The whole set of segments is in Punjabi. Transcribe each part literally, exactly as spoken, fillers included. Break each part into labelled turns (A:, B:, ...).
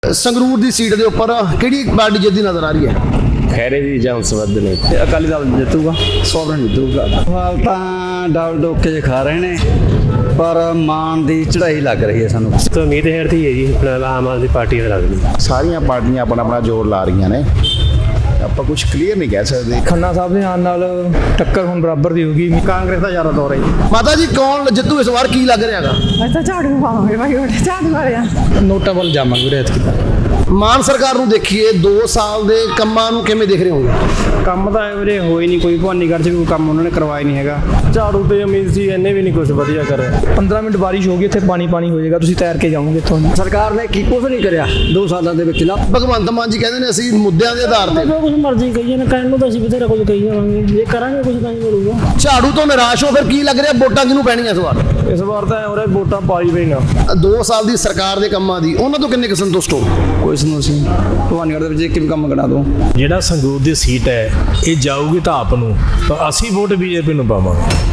A: ਸੰਗਰੂਰ ਦੀ ਸੀਟ ਦੇ ਉੱਪਰ ਕਿਹੜੀ ਪਾਰਟੀ ਜਿੱਤਦੀ ਨਜ਼ਰ ਆ ਰਹੀ ਹੈ?
B: ਖੈਰੇ ਦੀ ਜਾਂ ਸਬੱਧ ਨੇ
C: ਅਕਾਲੀ ਦਲ ਜਿੱਤੂਗਾ, ਸੋਵਰਨ ਜਿੱਤੂਗਾ। ਹਾਲ ਤਾਂ ਡਾਲ ਡੋਕੇ 'ਚ ਖਾ ਰਹੇ ਨੇ, ਪਰ ਮਾਨ ਦੀ ਚੜ੍ਹਾਈ ਲੱਗ ਰਹੀ ਹੈ ਸਾਨੂੰ।
B: ਤਾਂ ਉਮੀਦ ਹੈ ਰਹੀ ਹੈ ਜੀ ਆਪਣਾ ਆਮ ਆਦਮੀ ਪਾਰਟੀ ਦਾ ਲੱਗਦੀ।
D: ਸਾਰੀਆਂ ਪਾਰਟੀਆਂ ਆਪਣਾ ਆਪਣਾ ਜ਼ੋਰ ਲਾ ਰਹੀਆਂ ਨੇ, ਆਪਾਂ ਕੁਝ ਕਲੀਅਰ ਨਹੀਂ ਕਹਿ ਸਕਦੇ।
E: ਖੰਨਾ ਸਾਹਿਬ ਦੇ ਆਉਣ ਨਾਲ ਟੱਕਰ ਹੁਣ ਬਰਾਬਰ ਦੀ ਹੋਗੀ।
C: ਕਾਂਗਰਸ ਦਾ ਜ਼ਿਆਦਾ ਦੌਰ ਹੈ ਜੀ।
A: ਮਾਤਾ ਜੀ ਕੌਣ ਜਿੱਤੂ ਇਸ ਵਾਰ, ਕੀ ਲੱਗ ਰਿਹਾ ਹੈਗਾ?
F: ਅੱਛਾ ਝਾੜੂ ਪਾਵਾਂਗੇ ਭਾਈ, ਉਹ ਝਾੜੂ ਵਾਲਿਆ
E: ਨੋਟਾਂ ਵੱਲ ਜਾਵਾਂਗੇ ਵੀਰੇ ਐਤਕੀ ਤਾਂ।
A: ਮਾਨ ਸਰਕਾਰ ਨੂੰ ਦੇਖੀਏ, ਦੋ ਸਾਲ ਦੇ ਕੰਮਾਂ ਨੂੰ ਕਿਵੇਂ ਦੇਖ ਰਹੇ ਹੋ?
C: ਕੰਮ ਤਾਂ ਵੀਰੇ ਹੋਈ ਨਹੀਂ ਕੋਈ, ਭਵਾਨੀਗੜ੍ਹ 'ਚ ਵੀ ਕੋਈ ਕੰਮ ਉਹਨਾਂ ਨੇ ਕਰਵਾਇਆ ਨਹੀਂ ਹੈਗਾ।
B: ਝਾੜੂ ਤੇ ਉਮੀਦ ਸੀ, ਇਹਨੇ ਵੀ ਨਹੀਂ ਕੁਝ ਵਧੀਆ ਕਰਿਆ।
E: ਪੰਦਰਾਂ ਮਿੰਟ ਬਾਰਿਸ਼ ਹੋ ਗਈ, ਇੱਥੇ ਪਾਣੀ ਪਾਣੀ ਹੋ ਜਾਏਗਾ, ਤੁਸੀਂ ਤੈਰ ਕੇ ਜਾਓਗੇ ਇੱਥੋਂ।
C: ਸਰਕਾਰ ਨੇ ਕੀ ਕੁਝ ਨਹੀਂ ਕਰਿਆ ਦੋ ਸਾਲਾਂ ਦੇ ਵਿੱਚ ਨਾ।
A: ਭਗਵੰਤ ਮਾਨ ਜੀ ਕਹਿੰਦੇ ਨੇ ਅਸੀਂ ਮੁੱਦਿਆਂ ਦੇ ਆਧਾਰ ਤੇ
G: ਜੋ ਕੁਝ ਮਰਜ਼ੀ ਕਹੀਏ ਨਾ, ਕਹਿਣ ਨੂੰ ਤਾਂ ਅਸੀਂ ਬਥੇਰਾ ਕੁਝ ਕਹੀ ਜਾਵਾਂਗੇ, ਜੇ ਕਰਾਂਗੇ ਕੁਝ ਤਾਂ ਹੀ ਮਿਲੂਗਾ।
A: ਝਾੜੂ ਤੋਂ ਨਿਰਾਸ਼ ਹੋ, ਫਿਰ ਕੀ ਲੱਗ ਰਿਹਾ ਵੋਟਾਂ ਕਿਹਨੂੰ ਪੈਣੀਆਂ ਇਸ ਵਾਰ?
B: ਇਸ ਵਾਰ ਤਾਂ ਉਹਰੇ ਵੋਟਾਂ ਪਾਈ ਪਈਆਂ।
A: ਦੋ ਸਾਲ ਦੀ ਸਰਕਾਰ ਦੇ ਕੰਮਾਂ ਦੀ ਉਹਨਾਂ ਤੋਂ ਕਿੰਨੇ ਕੁ ਸੰਤੁਸ਼ਟ ਹੋ?
C: ਕੁਛ ਨੂੰ ਸੀ ਭਵਾਨੀਗੜ੍ਹ ਦੇ ਵਿੱਚ ਇੱਕ ਵੀ ਕੰਮ ਕਰਾ ਦੋ।
H: ਜਿਹੜਾ ਸੰਗਰੂਰ ਦੀ ਸੀਟ ਹੈ ਇਹ ਜਾਊਗੀ ਤਾਂ ਆਪ ਨੂੰ, ਤਾਂ ਅਸੀਂ ਵੋਟ ਬੀਜੇਪੀ ਨੂੰ ਪਾਵਾਂਗੇ।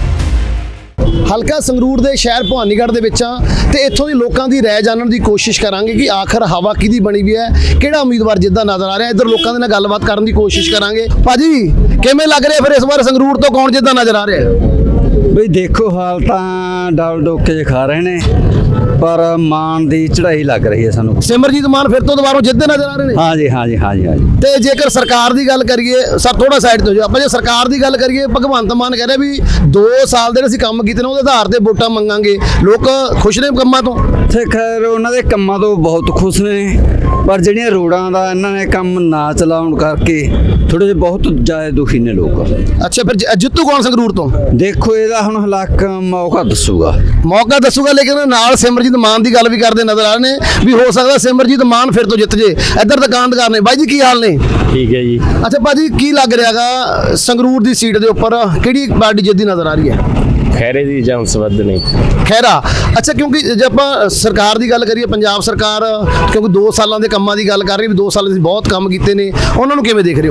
A: ਹਲਕਾ ਸੰਗਰੂਰ ਦੇ ਸ਼ਹਿਰ ਭਵਾਨੀਗੜ੍ਹ ਦੇ ਵਿੱਚ ਆ ਤੇ ਇੱਥੋਂ ਦੇ ਲੋਕਾਂ ਦੀ ਰਾਏ ਜਾਣਨ ਦੀ ਕੋਸ਼ਿਸ਼ ਕਰਾਂਗੇ ਕਿ ਆਖਰ ਹਵਾ ਕਿਹਦੀ ਬਣੀ ਵੀ ਹੈ, ਕਿਹੜਾ ਉਮੀਦਵਾਰ ਜਿੱਦਾਂ ਨਜ਼ਰ ਆ ਰਿਹਾ। ਇੱਧਰ ਲੋਕਾਂ ਦੇ ਨਾਲ ਗੱਲਬਾਤ ਕਰਨ ਦੀ ਕੋਸ਼ਿਸ਼ ਕਰਾਂਗੇ। ਭਾਜੀ ਕਿਵੇਂ ਲੱਗ ਰਿਹਾ ਫਿਰ ਇਸ ਵਾਰ ਸੰਗਰੂਰ ਤੋਂ ਕੌਣ ਜਿੱਦਾਂ ਨਜ਼ਰ ਆ ਰਿਹਾ?
C: ਬਈ ਦੇਖੋ, ਹਾਲ ਤਾਂ ਡਾਲ ਡੋਕੇ 'ਚ ਖਾ ਰਹੇ ਨੇ, ਪਰ ਮਾਨ ਦੀ ਚੜ੍ਹਾਈ ਲੱਗ ਰਹੀ ਹੈ ਸਾਨੂੰ।
A: ਸਿਮਰਜੀਤ ਮਾਨ ਫਿਰ ਤੋਂ ਦੁਬਾਰਾ ਜਿੱਤਦੇ ਨਜ਼ਰ ਆ ਰਹੇ ਨੇ।
C: ਹਾਂ ਜੀ ਹਾਂ ਜੀ ਹਾਂ ਜੀ ਹਾਂ ਜੀ।
A: ਤੇ ਜੇਕਰ ਸਰਕਾਰ ਦੀ ਗੱਲ ਕਰੀਏ, ਸਰ ਥੋੜਾ ਸਾਈਡ ਤੋਂ ਜੋ ਆਪਾਂ ਜੇ ਸਰਕਾਰ ਦੀ ਗੱਲ ਕਰੀਏ, ਭਗਵੰਤ ਮਾਨ ਕਹਿ ਰਿਹਾ ਵੀ ਦੋ ਸਾਲ ਦੇ ਅਸੀਂ ਕੰਮ ਕੀਤੇ ਨੇ ਉਹਦੇ ਆਧਾਰ ਤੇ ਵੋਟਾਂ ਮੰਗਾਂਗੇ। ਲੋਕ ਖੁਸ਼ ਨੇ ਕੰਮਾਂ ਤੋਂ?
C: ਤੇ ਖੈਰ ਉਹਨਾਂ ਦੇ ਕੰਮਾਂ ਤੋਂ ਬਹੁਤ ਖੁਸ਼ ਨੇ, ਪਰ ਜਿਹੜੀਆਂ ਰੋਡਾਂ ਦਾ ਇਹਨਾਂ ਨੇ ਕੰਮ ਨਾ ਚਲਾਉਣ ਕਰਕੇ ਥੋੜੇ ਜਿਹੇ ਬਹੁਤ ਜ਼ਿਆਦਾ ਦੁਖੀ ਨੇ ਲੋਕ।
A: ਅੱਛਾ, ਫਿਰ ਜ- ਜਿੱਤੂ ਕੌਣ ਸੰਗਰੂਰ ਤੋਂ?
C: ਦੇਖੋ ਇਹਦਾ ਹੁਣ ਹਲਾਕ ਮੌਕਾ ਦੱਸੂਗਾ
A: ਮੌਕਾ ਦੱਸੂਗਾ, ਲੇਕਿਨ ਨਾਲ ਸਿਮਰਜੀਤ ਮਾਨ ਦੀ ਗੱਲ ਵੀ ਕਰਦੇ ਨਜ਼ਰ ਆ ਰਹੇ ਨੇ ਵੀ ਹੋ ਸਕਦਾ ਸਿਮਰਜੀਤ ਮਾਨ ਫਿਰ ਤੋਂ ਜਿੱਤ ਜੇ। ਇੱਧਰ ਦੁਕਾਨਦਾਰ ਨੇ। ਬਾਈ ਜੀ ਕੀ ਹਾਲ ਨੇ?
B: ਠੀਕ ਹੈ ਜੀ।
A: ਅੱਛਾ ਭਾਜੀ, ਕੀ ਲੱਗ ਰਿਹਾਗਾ ਸੰਗਰੂਰ ਦੀ ਸੀਟ ਦੇ ਉੱਪਰ ਕਿਹੜੀ ਪਾਰਟੀ ਜਿੱਤਦੀ ਨਜ਼ਰ ਆ ਰਹੀ ਹੈ?
B: ਖੈਰੇ ਦੀ ਜਾਂ ਸਬੱਧ ਨੇ
A: ਖੈਰਾ। ਅੱਛਾ, ਕਿਉਂਕਿ ਜੇ ਆਪਾਂ ਸਰਕਾਰ ਦੀ ਗੱਲ ਕਰੀਏ, ਪੰਜਾਬ ਸਰਕਾਰ ਕਿਉਂਕਿ ਦੋ ਸਾਲਾਂ ਦੇ ਕੰਮਾਂ ਦੀ ਗੱਲ ਕਰ ਰਹੀ ਵੀ ਦੋ ਸਾਲ ਅਸੀਂ ਬਹੁਤ ਕੰਮ ਕੀਤੇ ਨੇ, ਉਹਨਾਂ ਨੂੰ ਕਿਵੇਂ ਦੇਖ ਰਹੇ ਹੋ?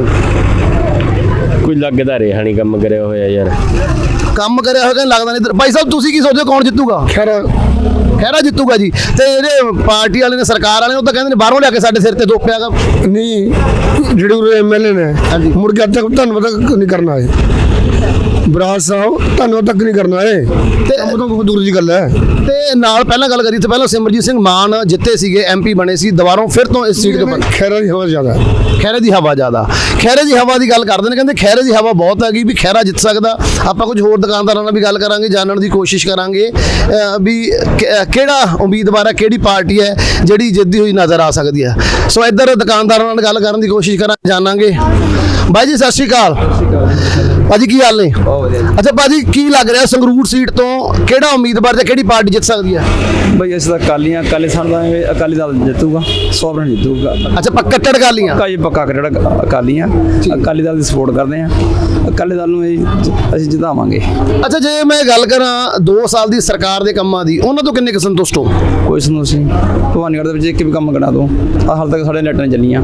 B: ਕੋਈ ਲੱਗਦਾ ਰਿਹਾ ਨਹੀਂ ਕੰਮ ਕਰਿਆ ਹੋਇਆ ਯਾਰ।
A: ਕੰਮ ਕਰਿਆ ਹੋਇਆ ਕਹਿੰਦਾ ਲੱਗਦਾ ਨਹੀਂ। ਭਾਈ ਸਾਹਿਬ ਤੁਸੀਂ ਕੀ ਸੋਚਦੇ ਹੋ, ਕੌਣ ਜਿੱਤੂਗਾ?
D: ਖੈਰ
A: ਖੈਰਾ ਜਿੱਤੂਗਾ ਜੀ। ਤੇ ਜਿਹੜੇ ਪਾਰਟੀ ਵਾਲੇ ਨੇ, ਸਰਕਾਰ ਵਾਲੇ ਨੇ, ਉਹ ਤਾਂ ਕਹਿੰਦੇ ਨੇ ਬਾਹਰੋਂ ਲਿਆ ਕੇ ਸਾਡੇ ਸਿਰ ਤੇ ਥੋਪਿਆਗਾ।
I: ਨਹੀਂ, ਜਿਹੜੇ ਉਹ ਐਮਐਲਏ ਨੇ
A: ਹਾਂਜੀ,
I: ਮੁੜ ਕੇ ਅੱਜ ਤੱਕ ਧੰਨਵਾਦ ਤੱਕ ਨਹੀਂ ਕਰਨਾ ਹੈ। ਬਰਾੜ ਸਾਹਿਬ ਧੰਨਵਾਦ ਤੱਕ ਨਹੀਂ ਕਰਨਾ ਹੈ,
A: ਤੇ
I: ਕੰਮ ਤੋਂ ਬਹੁਤ ਦੂਰ ਦੀ ਗੱਲ ਹੈ।
A: ਤੇ ਨਾਲ ਪਹਿਲਾਂ ਗੱਲ ਕਰੀ ਤੇ ਪਹਿਲਾਂ ਸਿਮਰਜੀਤ ਸਿੰਘ ਮਾਨ ਜਿੱਤੇ ਸੀਗੇ, ਐਮਪੀ ਬਣੇ ਸੀ, ਦੁਬਾਰਾ ਫਿਰ ਤੋਂ ਇਸ ਸੀਟ ਦੇ ਉੱਪਰ
I: ਖੈਰਾ ਦੀ ਹਵਾ ਜ਼ਿਆਦਾ ਹੈ।
A: ਖੈਰੇ ਦੀ ਹਵਾ ਜ਼ਿਆਦਾ। ਖੈਰੇ ਦੀ ਹਵਾ ਦੀ ਗੱਲ ਕਰਦੇ ਨੇ, ਕਹਿੰਦੇ ਖੈਰੇ ਦੀ ਹਵਾ ਬਹੁਤ ਹੈਗੀ ਵੀ ਖੈਰਾ ਜਿੱਤ ਸਕਦਾ। ਆਪਾਂ ਕੁਝ ਹੋਰ ਦੁਕਾਨਦਾਰਾਂ ਨਾਲ ਵੀ ਗੱਲ ਕਰਾਂਗੇ, ਜਾਣਨ ਦੀ ਕੋਸ਼ਿਸ਼ ਕਰਾਂਗੇ ਅਹ ਵੀ ਕਿ- ਕਿਹੜਾ ਉਮੀਦਵਾਰ ਹੈ, ਕਿਹੜੀ ਪਾਰਟੀ ਹੈ ਜਿਹੜੀ ਜਿੱਤਦੀ ਹੋਈ ਨਜ਼ਰ ਆ ਸਕਦੀ ਹੈ। ਸੋ ਇੱਧਰ ਦੁਕਾਨਦਾਰਾਂ ਨਾਲ ਗੱਲ ਕਰਨ ਦੀ ਕੋਸ਼ਿਸ਼ ਕਰਾਂਗੇ, ਜਾਣਾਂਗੇ। ਬਾਈ ਜੀ ਸਤਿ ਸ਼੍ਰੀ ਅਕਾਲ। ਭਾਜੀ ਕੀ ਹਾਲ ਨੇ? ਅੱਛਾ ਭਾਜੀ, ਕੀ ਲੱਗ ਰਿਹਾ ਸੰਗਰੂਰ ਸੀਟ ਤੋਂ ਕਿਹੜਾ ਉਮੀਦਵਾਰ ਜਾਂ ਕਿਹੜੀ ਪਾਰਟੀ ਜਿੱਤ ਸਕਦੀ ਹੈ?
C: ਬਈ ਅਸੀਂ ਤਾਂ ਅਕਾਲੀਆਂ ਅਕਾਲੀ ਸਾਨੂੰ ਤਾਂ ਐਵੇਂ ਅਕਾਲੀ ਦਲ ਜਿੱਤੂਗਾ, ਸੋਵਰਨ ਜਿੱਤੂਗਾ।
A: ਅੱਛਾ, ਪੱਕਾ ਕੱਟੜ ਗਾਲੀਆਂ।
C: ਪੱਕਾ ਜੀ ਪੱਕਾ ਕਿਹੜਾ ਅਕਾਲੀ ਆ, ਅਕਾਲੀ ਦਲ ਦੀ ਸਪੋਰਟ ਕਰਦੇ ਆ, ਅਕਾਲੀ ਦਲ ਨੂੰ ਅਸੀਂ ਅਸੀਂ ਜਿਤਾਵਾਂਗੇ।
A: ਅੱਛਾ, ਜੇ ਮੈਂ ਗੱਲ ਕਰਾਂ ਦੋ ਸਾਲ ਦੀ ਸਰਕਾਰ ਦੇ ਕੰਮਾਂ ਦੀ, ਉਹਨਾਂ ਤੋਂ ਕਿੰਨੇ ਕੁ ਸੰਤੁਸ਼ਟ ਹੋ?
C: ਕੁਛ ਨੂੰ ਸੀ ਭਵਾਨੀਗੜ੍ਹ ਦੇ ਵਿੱਚ ਇੱਕ ਵੀ ਕੰਮ ਕਰਾ ਦੋ। ਆਹ ਹਾਲ ਤੱਕ ਸਾਡੇ ਲਾਈਟਾਂ ਚੱਲੀਆਂ,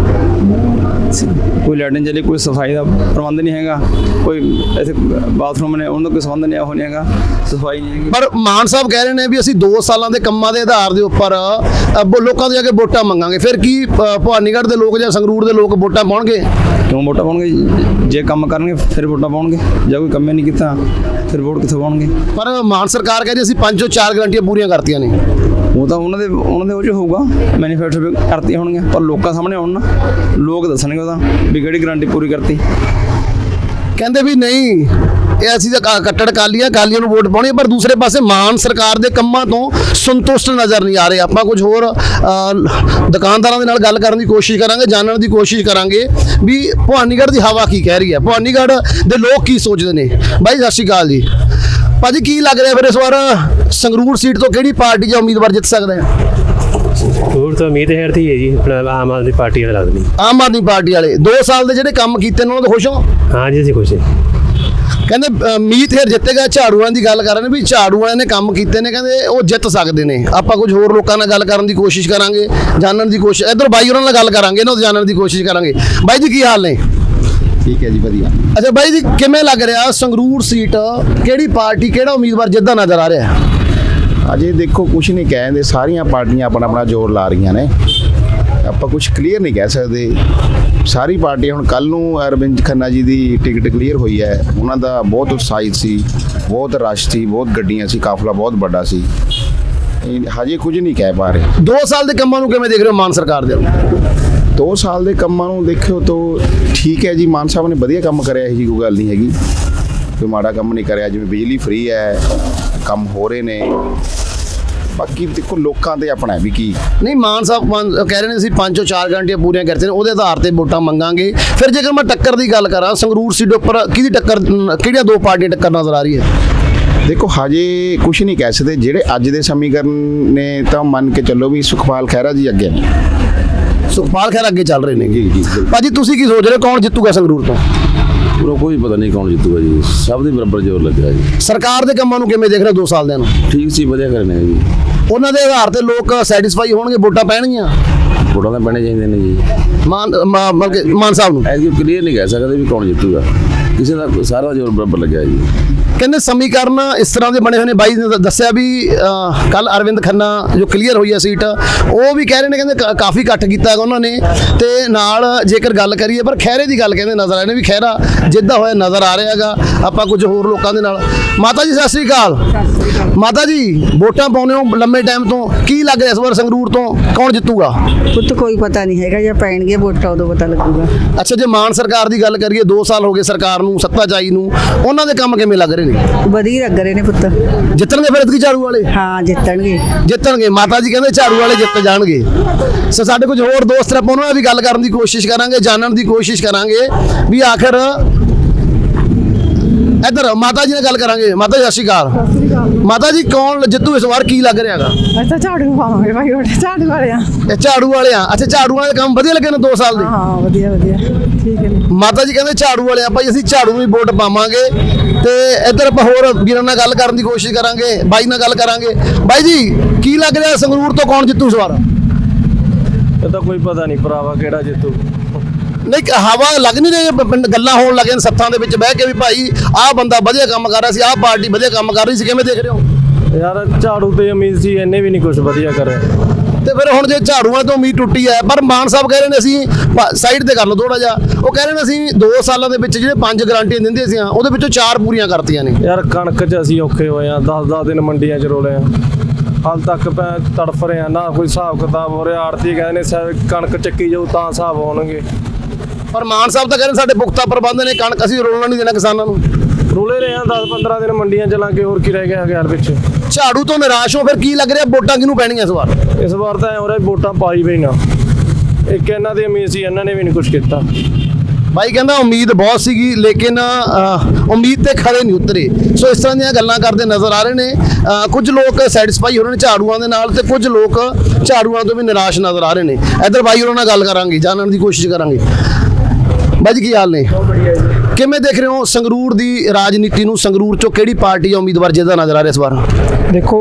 C: ਕੋਈ ਲਾਈਟ ਨਹੀਂ ਚੱਲੀ, ਕੋਈ ਸਫਾਈ ਦਾ ਪ੍ਰਬੰਧ ਨਹੀਂ ਹੈਗਾ, ਕੋਈ ਇੱਥੇ ਬਾਥਰੂਮ ਨੇ ਉਹਨਾਂ ਦਾ ਕੋਈ ਸੰਬੰਧ ਨਹੀਂ, ਉਹ ਨਹੀਂ ਹੈਗਾ, ਸਫਾਈ ਨਹੀਂ ਹੈਗੀ।
A: ਪਰ ਮਾਨ ਸਾਹਿਬ ਕਹਿ ਰਹੇ ਨੇ ਵੀ ਅਸੀਂ ਦੋ ਸਾਲਾਂ ਦੇ ਕੰਮਾਂ ਦੇ ਆਧਾਰ ਦੇ ਉੱਪਰ ਅ, ਵੋ- ਲੋਕਾਂ ਤੋਂ ਜਾ ਕੇ ਵੋਟਾਂ ਮੰਗਾਂਗੇ। ਫਿਰ ਕੀ ਅ, ਭਵਾਨੀਗੜ੍ਹ ਦੇ ਲੋਕ ਜਾਂ ਸੰਗਰੂਰ ਦੇ ਲੋਕ ਵੋਟਾਂ ਪਾਉਣਗੇ?
C: ਕਿਉਂ ਵੋਟਾਂ ਪਾਉਣਗੇ? ਜੇ ਕੰਮ ਕਰਨਗੇ ਫਿਰ ਵੋਟਾਂ ਪਾਉਣਗੇ, ਜੇ ਕੋਈ ਕੰਮ ਹੀ ਨਹੀਂ ਕੀਤਾ ਫਿਰ ਵੋਟ ਕਿੱਥੋਂ ਪਾਉਣਗੇ?
A: ਪਰ ਮਾਨ ਸਰਕਾਰ ਕਹਿੰਦੀ ਅਸੀਂ ਪੰਜ ਤੋਂ ਚਾਰ ਗਰੰਟੀਆਂ ਪੂਰੀਆਂ ਕਰਤੀਆਂ ਨੇ।
C: ਉਹ ਤਾਂ ਉਹਨਾਂ ਦੇ ਉਹਨਾਂ ਦੇ ਉਹ 'ਚ ਹੋਊਗਾ, ਮੈਨੀਫੈਸਟੋ ਕਰਤੀਆਂ ਹੋਣਗੀਆਂ, ਪਰ ਲੋਕਾਂ ਸਾਹਮਣੇ ਆਉਣ ਨਾ, ਲੋਕ ਦੱਸਣਗੇ ਉਹਦਾ ਵੀ ਕਿਹੜੀ ਗਰੰਟੀ ਪੂਰੀ ਕਰਤੀ।
A: ਕਹਿੰਦੇ ਵੀ ਨਹੀਂ, ਇਹ ਅਸੀਂ ਤਾਂ ਕ- ਕੱਟੜ ਕਾਲੀਆਂ ਕਾਲੀਆਂ ਨੂੰ ਵੋਟ ਪਾਉਣੀ ਹੈ, ਪਰ ਦੂਸਰੇ ਪਾਸੇ ਮਾਨ ਸਰਕਾਰ ਦੇ ਕੰਮਾਂ ਤੋਂ ਸੰਤੁਸ਼ਟ ਨਜ਼ਰ ਨਹੀਂ ਆ ਰਹੇ। ਆਪਾਂ ਕੁਝ ਹੋਰ ਅ, ਦੁਕਾਨਦਾਰਾਂ ਦੇ ਨਾਲ ਗੱਲ ਕਰਨ ਦੀ ਕੋਸ਼ਿਸ਼ ਕਰਾਂਗੇ, ਜਾਣਨ ਦੀ ਕੋਸ਼ਿਸ਼ ਕਰਾਂਗੇ ਵੀ ਭਵਾਨੀਗੜ੍ਹ ਦੀ ਹਵਾ ਕੀ ਕਹਿ ਰਹੀ ਹੈ, ਭਵਾਨੀਗੜ੍ਹ ਦੇ ਲੋਕ ਕੀ ਸੋਚਦੇ ਨੇ। ਬਾਈ ਸਤਿ ਸ਼੍ਰੀ ਅਕਾਲ ਜੀ। ਭਾਜੀ ਕੀ ਲੱਗ ਰਿਹਾ ਫਿਰ ਇਸ ਵਾਰ ਸੰਗਰੂਰ ਸੀਟ ਤੋਂ ਕਿਹੜੀ ਪਾਰਟੀ ਜਾਂ ਉਮੀਦਵਾਰ ਜਿੱਤ ਸਕਦਾ ਹੈ?
B: ਹੋਰ ਤਾਂ ਉਮੀਦ ਹੈ ਰਹੀ ਹੈ ਜੀ ਆਪਣਾ ਆਮ ਆਦਮੀ ਪਾਰਟੀ ਦਾ ਲੱਗਦੀ।
A: ਆਮ ਆਦਮੀ ਪਾਰਟੀ ਵਾਲੇ ਦੋ ਸਾਲ ਦੇ ਜਿਹੜੇ ਕੰਮ ਕੀਤੇ ਨੇ ਉਹਨਾਂ ਤੋਂ ਖੁਸ਼ ਹੋ?
B: ਹਾਂ ਜੀ, ਅਸੀਂ ਖੁਸ਼ ਹਾਂ।
A: ਕਹਿੰਦੇ ਅ, ਮੀਤ ਹੇਰ ਜਿੱਤੇਗਾ। ਝਾੜੂ ਵਾਲਿਆਂ ਦੀ ਗੱਲ ਕਰ ਰਹੇ ਨੇ ਵੀ ਝਾੜੂ ਵਾਲਿਆਂ ਨੇ ਕੰਮ ਕੀਤੇ ਨੇ, ਕਹਿੰਦੇ ਉਹ ਜਿੱਤ ਸਕਦੇ ਨੇ। ਆਪਾਂ ਕੁਝ ਹੋਰ ਲੋਕਾਂ ਨਾਲ ਗੱਲ ਕਰਨ ਦੀ ਕੋਸ਼ਿਸ਼ ਕਰਾਂਗੇ, ਜਾਣਨ ਦੀ ਕੋਸ਼ਿਸ਼। ਇੱਧਰ ਬਾਈ ਉਹਨਾਂ ਨਾਲ ਗੱਲ ਕਰਾਂਗੇ, ਇਹਨਾਂ ਤੋਂ ਜਾਣਨ ਦੀ ਕੋਸ਼ਿਸ਼ ਕਰਾਂਗੇ। ਬਾਈ ਜੀ ਕੀ ਹਾਲ ਨੇ?
D: ਠੀਕ ਹੈ ਜੀ, ਵਧੀਆ।
A: ਅੱਛਾ ਬਾਈ ਜੀ, ਕਿਵੇਂ ਲੱਗ ਰਿਹਾ ਸੰਗਰੂਰ ਸੀਟ ਕਿਹੜੀ ਪਾਰਟੀ ਕਿਹੜਾ ਉਮੀਦਵਾਰ ਜਿੱਦਾਂ ਨਜ਼ਰ ਆ ਰਿਹਾ?
D: ਅਜੇ ਦੇਖੋ ਕੁਝ ਨਹੀਂ ਕਹਿੰਦੇ, ਸਾਰੀਆਂ ਪਾਰਟੀਆਂ ਆਪਣਾ ਆਪਣਾ ਜ਼ੋਰ ਲਾ ਰਹੀਆਂ ਨੇ। ਆਪਾਂ ਕੁਝ ਕਲੀਅਰ ਨਹੀਂ ਕਹਿ ਸਕਦੇ। ਸਾਰੀ ਪਾਰਟੀਆਂ ਹੁਣ ਕੱਲ ਨੂੰ ਅਰਵਿੰਦ ਖੰਨਾ ਜੀ ਦੀ ਟਿਕਟ ਕਲੀਅਰ ਹੋਈ ਹੈ, ਉਹਨਾਂ ਦਾ ਬਹੁਤ ਉਤਸ਼ਾਹਿਤ ਸੀ, ਬਹੁਤ ਰਸ਼ ਸੀ, ਬਹੁਤ ਗੱਡੀਆਂ ਸੀ, ਕਾਫਲਾ ਬਹੁਤ ਵੱਡਾ ਸੀ। ਇਹ ਹਜੇ ਕੁਝ ਨਹੀਂ ਕਹਿ ਪਾ ਰਹੇ।
A: ਦੋ ਸਾਲ ਦੇ ਕੰਮਾਂ ਨੂੰ ਕਿਵੇਂ ਦੇਖ ਰਹੇ ਹੋ ਮਾਨ ਸਰਕਾਰ ਦੇ?
D: ਦੋ ਸਾਲ ਦੇ ਕੰਮਾਂ ਨੂੰ ਦੇਖਿਓ ਤਾਂ ਠੀਕ ਹੈ ਜੀ, ਮਾਨ ਸਾਹਿਬ ਨੇ ਵਧੀਆ ਕੰਮ ਕਰਿਆ, ਇਹ ਜੀ ਕੋਈ ਗੱਲ ਨਹੀਂ ਹੈਗੀ, ਕੋਈ ਮਾੜਾ ਕੰਮ ਨਹੀਂ ਕਰਿਆ। ਜਿਵੇਂ ਬਿਜਲੀ ਫ੍ਰੀ ਹੈ, ਕੰਮ ਹੋ ਰਹੇ ਨੇ। ਬਾਕੀ ਦੇਖੋ ਲੋਕਾਂ ਤੇ ਆਪਣਾ ਵੀ ਕੀ
A: ਨਹੀਂ, ਮਾਨ ਸਾਹਿਬ ਪੰਜ- ਕਹਿ ਰਹੇ ਨੇ ਅਸੀਂ ਪੰਜੋਂ ਚਾਰ ਗਾਰੰਟੀਆਂ ਪੂਰੀਆਂ ਕਰਤੀਆਂ ਨੇ, ਉਹਦੇ ਆਧਾਰ ਤੇ ਵੋਟਾਂ ਮੰਗਾਂਗੇ। ਫਿਰ ਜੇਕਰ ਮੈਂ ਟੱਕਰ ਦੀ ਗੱਲ ਕਰਾਂ, ਸੰਗਰੂਰ ਸੀਟ ਉੱਪਰ ਕਿਹਦੀ ਟੱਕਰ, ਕਿਹੜੀਆਂ ਦੋ ਪਾਰਟੀਆਂ ਟੱਕਰ ਨਜ਼ਰ ਆ ਰਹੀ ਹੈ?
D: ਦੇਖੋ ਹਜੇ ਕੁਝ ਨਹੀਂ ਕਹਿ ਸਕਦੇ। ਜਿਹੜੇ ਅੱਜ ਦੇ ਸਮੀਕਰਨ ਨੇ ਤਾਂ ਮੰਨ ਕੇ ਚੱਲੋ ਵੀ ਸੁਖਪਾਲ ਖਹਿਰਾ ਜੀ ਅੱਗੇ ਨੇ।
A: ਸੁਖਪਾਲ ਖਹਿਰਾ ਅੱਗੇ ਚੱਲ ਰਹੇ ਨੇ।
D: ਜੀ ਜੀ ਬਿਲਕੁਲ।
A: ਭਾਜੀ ਤੁਸੀਂ ਕੀ ਸੋਚ ਰਹੇ ਹੋ, ਕੌਣ ਜਿੱਤੂਗਾ ਸੰਗਰੂਰ ਤੋਂ?
J: ਪੂਰਾ ਕੋਈ ਪਤਾ ਨਹੀਂ ਕੌਣ ਜਿੱਤੂਗਾ ਜੀ, ਸਭ ਦੇ ਬਰਾਬਰ ਜ਼ੋਰ ਲੱਗਾ ਜੀ।
A: ਸਰਕਾਰ ਦੇ ਕੰਮਾਂ ਨੂੰ ਕਿਵੇਂ ਦੇਖ ਰਹੇ ਹੋ ਦੋ ਸਾਲ ਦੇ ਨੂੰ?
J: ਠੀਕ ਸੀ, ਵਧੀਆ ਕਰਨੇ ਜੀ।
A: ਉਹਨਾਂ ਦੇ ਆਧਾਰ ਤੇ ਲੋਕ ਸੈਟੀਸਫਾਈ ਹੋਣਗੇ, ਵੋਟਾਂ ਪੈਣਗੀਆਂ
J: ਵੋਟਾਂ ਤਾਂ ਪੈਣੇ ਚਾਹੀਦੇ ਨੇ ਜੀ।
A: ਮਾਨ ਮਾ- ਮਤਲਬ ਕਿ ਮਾਨ ਸਾਹਿਬ ਨੂੰ
J: ਐਸੀ ਕਲੀਅਰ ਨਹੀਂ ਕਹਿ ਸਕਦੇ ਵੀ ਕੌਣ ਜਿੱਤੂਗਾ, ਕਿਸੇ ਦਾ ਸਾਰਾ ਜ਼ੋਰ ਬਰਾਬਰ ਲੱਗਿਆ ਜੀ।
A: ਕਹਿੰਦੇ ਸਮੀਕਰਨ ਇਸ ਤਰ੍ਹਾਂ ਦੇ ਬਣੇ ਹੋਏ ਨੇ। ਬਾਈ ਨੇ ਦ- ਦੱਸਿਆ ਵੀ ਕੱਲ ਅਰਵਿੰਦ ਖੰਨਾ ਜੋ ਕਲੀਅਰ ਹੋਈ ਹੈ ਸੀਟ, ਉਹ ਵੀ ਕਹਿ ਰਹੇ ਨੇ, ਕਹਿੰਦੇ ਕਾ- ਕਾਫੀ ਇਕੱਠ ਕੀਤਾ ਹੈਗਾ ਉਹਨਾਂ ਨੇ। ਤੇ ਨਾਲ ਜੇਕਰ ਗੱਲ ਕਰੀਏ, ਪਰ ਖਹਿਰੇ ਦੀ ਗੱਲ ਕਹਿੰਦੇ ਨਜ਼ਰ ਆ ਰਹੇ ਨੇ ਵੀ ਖਹਿਰਾ ਜਿੱਦਾਂ ਹੋਇਆ ਨਜ਼ਰ ਆ ਰਿਹਾ ਹੈਗਾ। ਆਪਾਂ ਕੁਝ ਹੋਰ ਲੋਕਾਂ ਦੇ ਨਾਲ। ਮਾਤਾ ਜੀ ਸਤਿ ਸ੍ਰੀ ਅਕਾਲ। ਮਾਤਾ ਜੀ ਵੋਟਾਂ ਪਾਉਂਦੇ ਹੋ ਲੰਮੇ ਟਾਈਮ ਤੋਂ, ਕੀ ਲੱਗ ਰਿਹਾ ਇਸ ਵਾਰ ਸੰਗਰੂਰ ਤੋਂ ਕੌਣ ਜਿੱਤੂਗਾ?
F: ਪੁੱਤ ਕੋਈ ਪਤਾ ਨਹੀਂ ਹੈਗਾ, ਜੇ ਪੈਣਗੇ ਵੋਟਾਂ ਉਦੋਂ ਪਤਾ ਲੱਗੂਗਾ।
A: ਅੱਛਾ, ਜੇ ਮਾਨ ਸਰਕਾਰ ਦੀ ਗੱਲ ਕਰੀਏ, ਦੋ ਸਾਲ ਹੋ ਗਏ ਸਰਕਾਰ ਨੂੰ, ਸੱਤਾ ਚਾਈ ਨੂੰ, ਉਹਨਾਂ ਦੇ ਕੰਮ ਕਿਵੇਂ ਲੱਗ ਰਹੇ ਨੇ?
F: ਵਧੀਆ ਲੱਗ ਰਹੇ ਨੇ ਪੁੱਤ।
A: ਜਿੱਤਣਗੇ ਫਿਰ ਇਤਕੀ ਝਾੜੂ ਵਾਲੇ?
F: ਹਾਂ ਜਿੱਤਣਗੇ।
A: ਜਿੱਤਣਗੇ। ਮਾਤਾ ਜੀ ਕਹਿੰਦੇ ਝਾੜੂ ਵਾਲੇ ਜਿੱਤ ਜਾਣਗੇ। ਸੋ ਸਾਡੇ ਕੁਝ ਹੋਰ ਦੋਸਤ ਨੇ, ਆਪਾਂ ਉਹਨਾਂ ਨਾਲ ਵੀ ਗੱਲ ਕਰਨ ਦੀ ਕੋਸ਼ਿਸ਼ ਕਰਾਂਗੇ, ਜਾਣਨ ਦੀ ਕੋਸ਼ਿਸ਼ ਕਰਾਂਗੇ ਵੀ ਆਖਰ ਇੱਧਰ ਮਾਤਾ ਜੀ ਨਾਲ ਗੱਲ ਕਰਾਂਗੇ। ਮਾਤਾ ਜੀ ਸਤਿ ਸ਼੍ਰੀ ਅਕਾਲ। ਮਾਤਾ ਜੀ ਕੌਣ ਜਿੱਤੂ ਇਸ ਵਾਰ, ਕੀ ਲੱਗ ਰਿਹਾ ਹੈਗਾ?
F: ਅਸੀਂ ਤਾਂ ਝਾੜੂ ਪਾਵਾਂਗੇ ਭਾਈ, ਵੋਟ ਝਾੜੂ ਵਾਲੇ ਆ।
A: ਇਹ ਝਾੜੂ ਵਾਲੇ ਆ। ਅੱਛਾ, ਝਾੜੂ ਵਾਲੇ ਕੰਮ ਵਧੀਆ ਲੱਗੇ ਨੇ ਦੋ ਸਾਲ ਦੇ?
F: ਹਾਂ ਵਧੀਆ ਵਧੀਆ ਠੀਕ ਹੈ।
A: ਮਾਤਾ ਜੀ ਕਹਿੰਦੇ ਝਾੜੂ ਵਾਲੇ ਆ ਭਾਈ, ਅਸੀਂ ਝਾੜੂ ਨੂੰ ਹੀ ਵੋਟ ਪਾਵਾਂਗੇ। ਤੇ ਇੱਧਰ ਆਪਾਂ ਹੋਰ ਵੀਰਾਂ ਨਾਲ ਗੱਲ ਕਰਨ ਦੀ ਕੋਸ਼ਿਸ਼ ਕਰਾਂਗੇ, ਬਾਈ ਨਾਲ ਗੱਲ ਕਰਾਂਗੇ। ਬਾਈ ਜੀ ਕੀ ਲੱਗ ਰਿਹਾ ਸੰਗਰੂਰ ਤੋਂ ਕੌਣ ਜਿੱਤੂ ਇਸ ਵਾਰ?
B: ਇਹ ਤਾਂ ਕੋਈ ਪਤਾ ਨਹੀਂ ਭਰਾਵਾ ਕਿਹੜਾ ਜਿੱਤੂ।
A: ਨਹੀਂ, ਹਵਾ ਲੱਗ ਨਹੀਂ ਰਹੀ, ਪਿੰਡ ਗੱਲਾਂ ਹੋਣ ਲੱਗੀਆਂ ਸੱਥਾਂ ਦੇ ਵਿੱਚ ਬਹਿ ਕੇ ਵੀ ਭਾਈ ਆਹ ਬੰਦਾ ਵਧੀਆ ਕੰਮ ਕਰ ਰਿਹਾ ਸੀ, ਆਹ ਪਾਰਟੀ ਵਧੀਆ ਕੰਮ ਕਰ ਰਹੀ ਸੀ, ਕਿਵੇਂ ਦੇਖ ਰਹੇ ਹੋ?
B: ਯਾਰ ਝਾੜੂ ਤੇ ਉਮੀਦ ਸੀ, ਇਹਨੇ ਵੀ ਨਹੀਂ ਕੁਝ ਵਧੀਆ ਕਰਿਆ।
A: ਤੇ ਫਿਰ ਹੁਣ ਜੇ ਝਾੜੂਆਂ ਤੋਂ ਉਮੀਦ ਟੁੱਟੀ ਹੈ, ਪਰ ਮਾਨ ਸਾਹਿਬ ਕਹਿ ਰਹੇ ਨੇ ਅਸੀਂ ਸਾਈਡ ਤੇ ਕਰ ਲਓ ਥੋੜਾ ਜਿਹਾ, ਉਹ ਕਹਿ ਰਹੇ ਨੇ ਅਸੀਂ ਦੋ ਸਾਲਾਂ ਦੇ ਵਿੱਚ ਜਿਹੜੇ ਪੰਜ ਗਾਰੰਟੀਆਂ ਦਿੰਦੇ ਸੀ ਉਹਦੇ ਵਿੱਚੋਂ ਚਾਰ ਪੂਰੀਆਂ ਕਰਤੀਆਂ ਨੇ।
B: ਯਾਰ ਕਣਕ 'ਚ ਅਸੀਂ ਔਖੇ ਹੋਏ ਆ, ਦਸ ਦਸ ਦਿਨ ਮੰਡੀਆਂ 'ਚ ਰੋਲੇ ਆ, ਹਾਲ ਤੱਕ ਪੈ ਤੜਫ ਰਹੇ ਆ, ਨਾ ਕੋਈ ਹਿਸਾਬ ਕਿਤਾਬ ਹੋ ਰਿਹਾ। ਆੜਤੀ ਕਹਿੰਦੇ ਨੇ ਸ਼ਾਇਦ ਕਣਕ ਚੱਕੀ ਜਾਊ ਤਾਂ ਹਿਸਾਬ ਹੋਣਗੇ,
A: ਪਰ ਮਾਨ ਸਾਹਿਬ ਤਾਂ ਕਹਿੰਦੇ ਸਾਡੇ ਪੁਖਤਾ ਪ੍ਰਬੰਧ ਨੇ, ਕਣਕ ਅਸੀਂ ਰੋਲਣਾ ਨਹੀਂ ਦੇਣਾ ਕਿਸਾਨਾਂ ਨੂੰ।
B: ਰੋਲੇ ਰਹੇ ਆ ਦਸ ਪੰਦਰਾਂ ਦਿਨ ਮੰਡੀਆਂ 'ਚ ਲਾਂਗੇ, ਹੋਰ ਕੀ ਰਹਿ ਗਿਆ ਹਜ਼ਾਰ ਵਿੱਚ।
A: ਝਾੜੂ ਤੋਂ ਨਿਰਾਸ਼ ਹੋ, ਫਿਰ ਕੀ ਲੱਗ ਰਿਹਾ ਵੋਟਾਂ ਕਿਹਨੂੰ ਪੈਣੀਆਂ ਇਸ ਵਾਰ?
B: ਇਸ ਵਾਰ ਤਾਂ ਐ ਹੋ ਰਿਹਾ ਵੋਟਾਂ ਪਾਈ ਵੀ ਨਾ। ਇੱਕ ਇਹਨਾਂ ਦੀ ਉਮੀਦ ਸੀ, ਇਹਨਾਂ ਨੇ ਵੀ ਨਹੀਂ ਕੁਝ ਕੀਤਾ।
A: ਬਾਈ ਕਹਿੰਦਾ ਉਮੀਦ ਬਹੁਤ ਸੀਗੀ, ਲੇਕਿਨ ਅਹ, ਉਮੀਦ ਤੇ ਖੜੇ ਨਹੀਂ ਉਤਰੇ। ਸੋ ਇਸ ਤਰ੍ਹਾਂ ਦੀਆਂ ਗੱਲਾਂ ਕਰਦੇ ਨਜ਼ਰ ਆ ਰਹੇ ਨੇ। ਅਹ, ਕੁਝ ਲੋਕ ਸੈਟੀਸਫਾਈ ਹੋ ਰਹੇ ਨੇ ਝਾੜੂਆਂ ਦੇ ਨਾਲ, ਤੇ ਕੁਝ ਲੋਕ ਝਾੜੂਆਂ ਤੋਂ ਵੀ ਨਿਰਾਸ਼ ਨਜ਼ਰ ਆ ਰਹੇ ਨੇ। ਇੱਧਰ ਬਾਈ ਉਹਨਾਂ ਨਾਲ ਗੱਲ ਕਰਾਂਗੇ, ਜਾਣਨ ਦੀ ਕੋਸ਼ਿਸ਼ ਕਰਾਂਗੇ। ਬਾਈ ਜੀ ਕੀ ਹਾਲ ਨੇ? ਕਿਵੇਂ ਦੇਖ ਰਹੇ ਹੋ ਸੰਗਰੂਰ ਦੀ ਰਾਜਨੀਤੀ ਨੂੰ? ਸੰਗਰੂਰ ਚੋਂ ਕਿਹੜੀ ਪਾਰਟੀ ਆ ਉਮੀਦਵਾਰ ਜਿਹਦਾ ਨਜ਼ਰ ਆ ਰਿਹਾ ਇਸ ਵਾਰ?
E: ਦੇਖੋ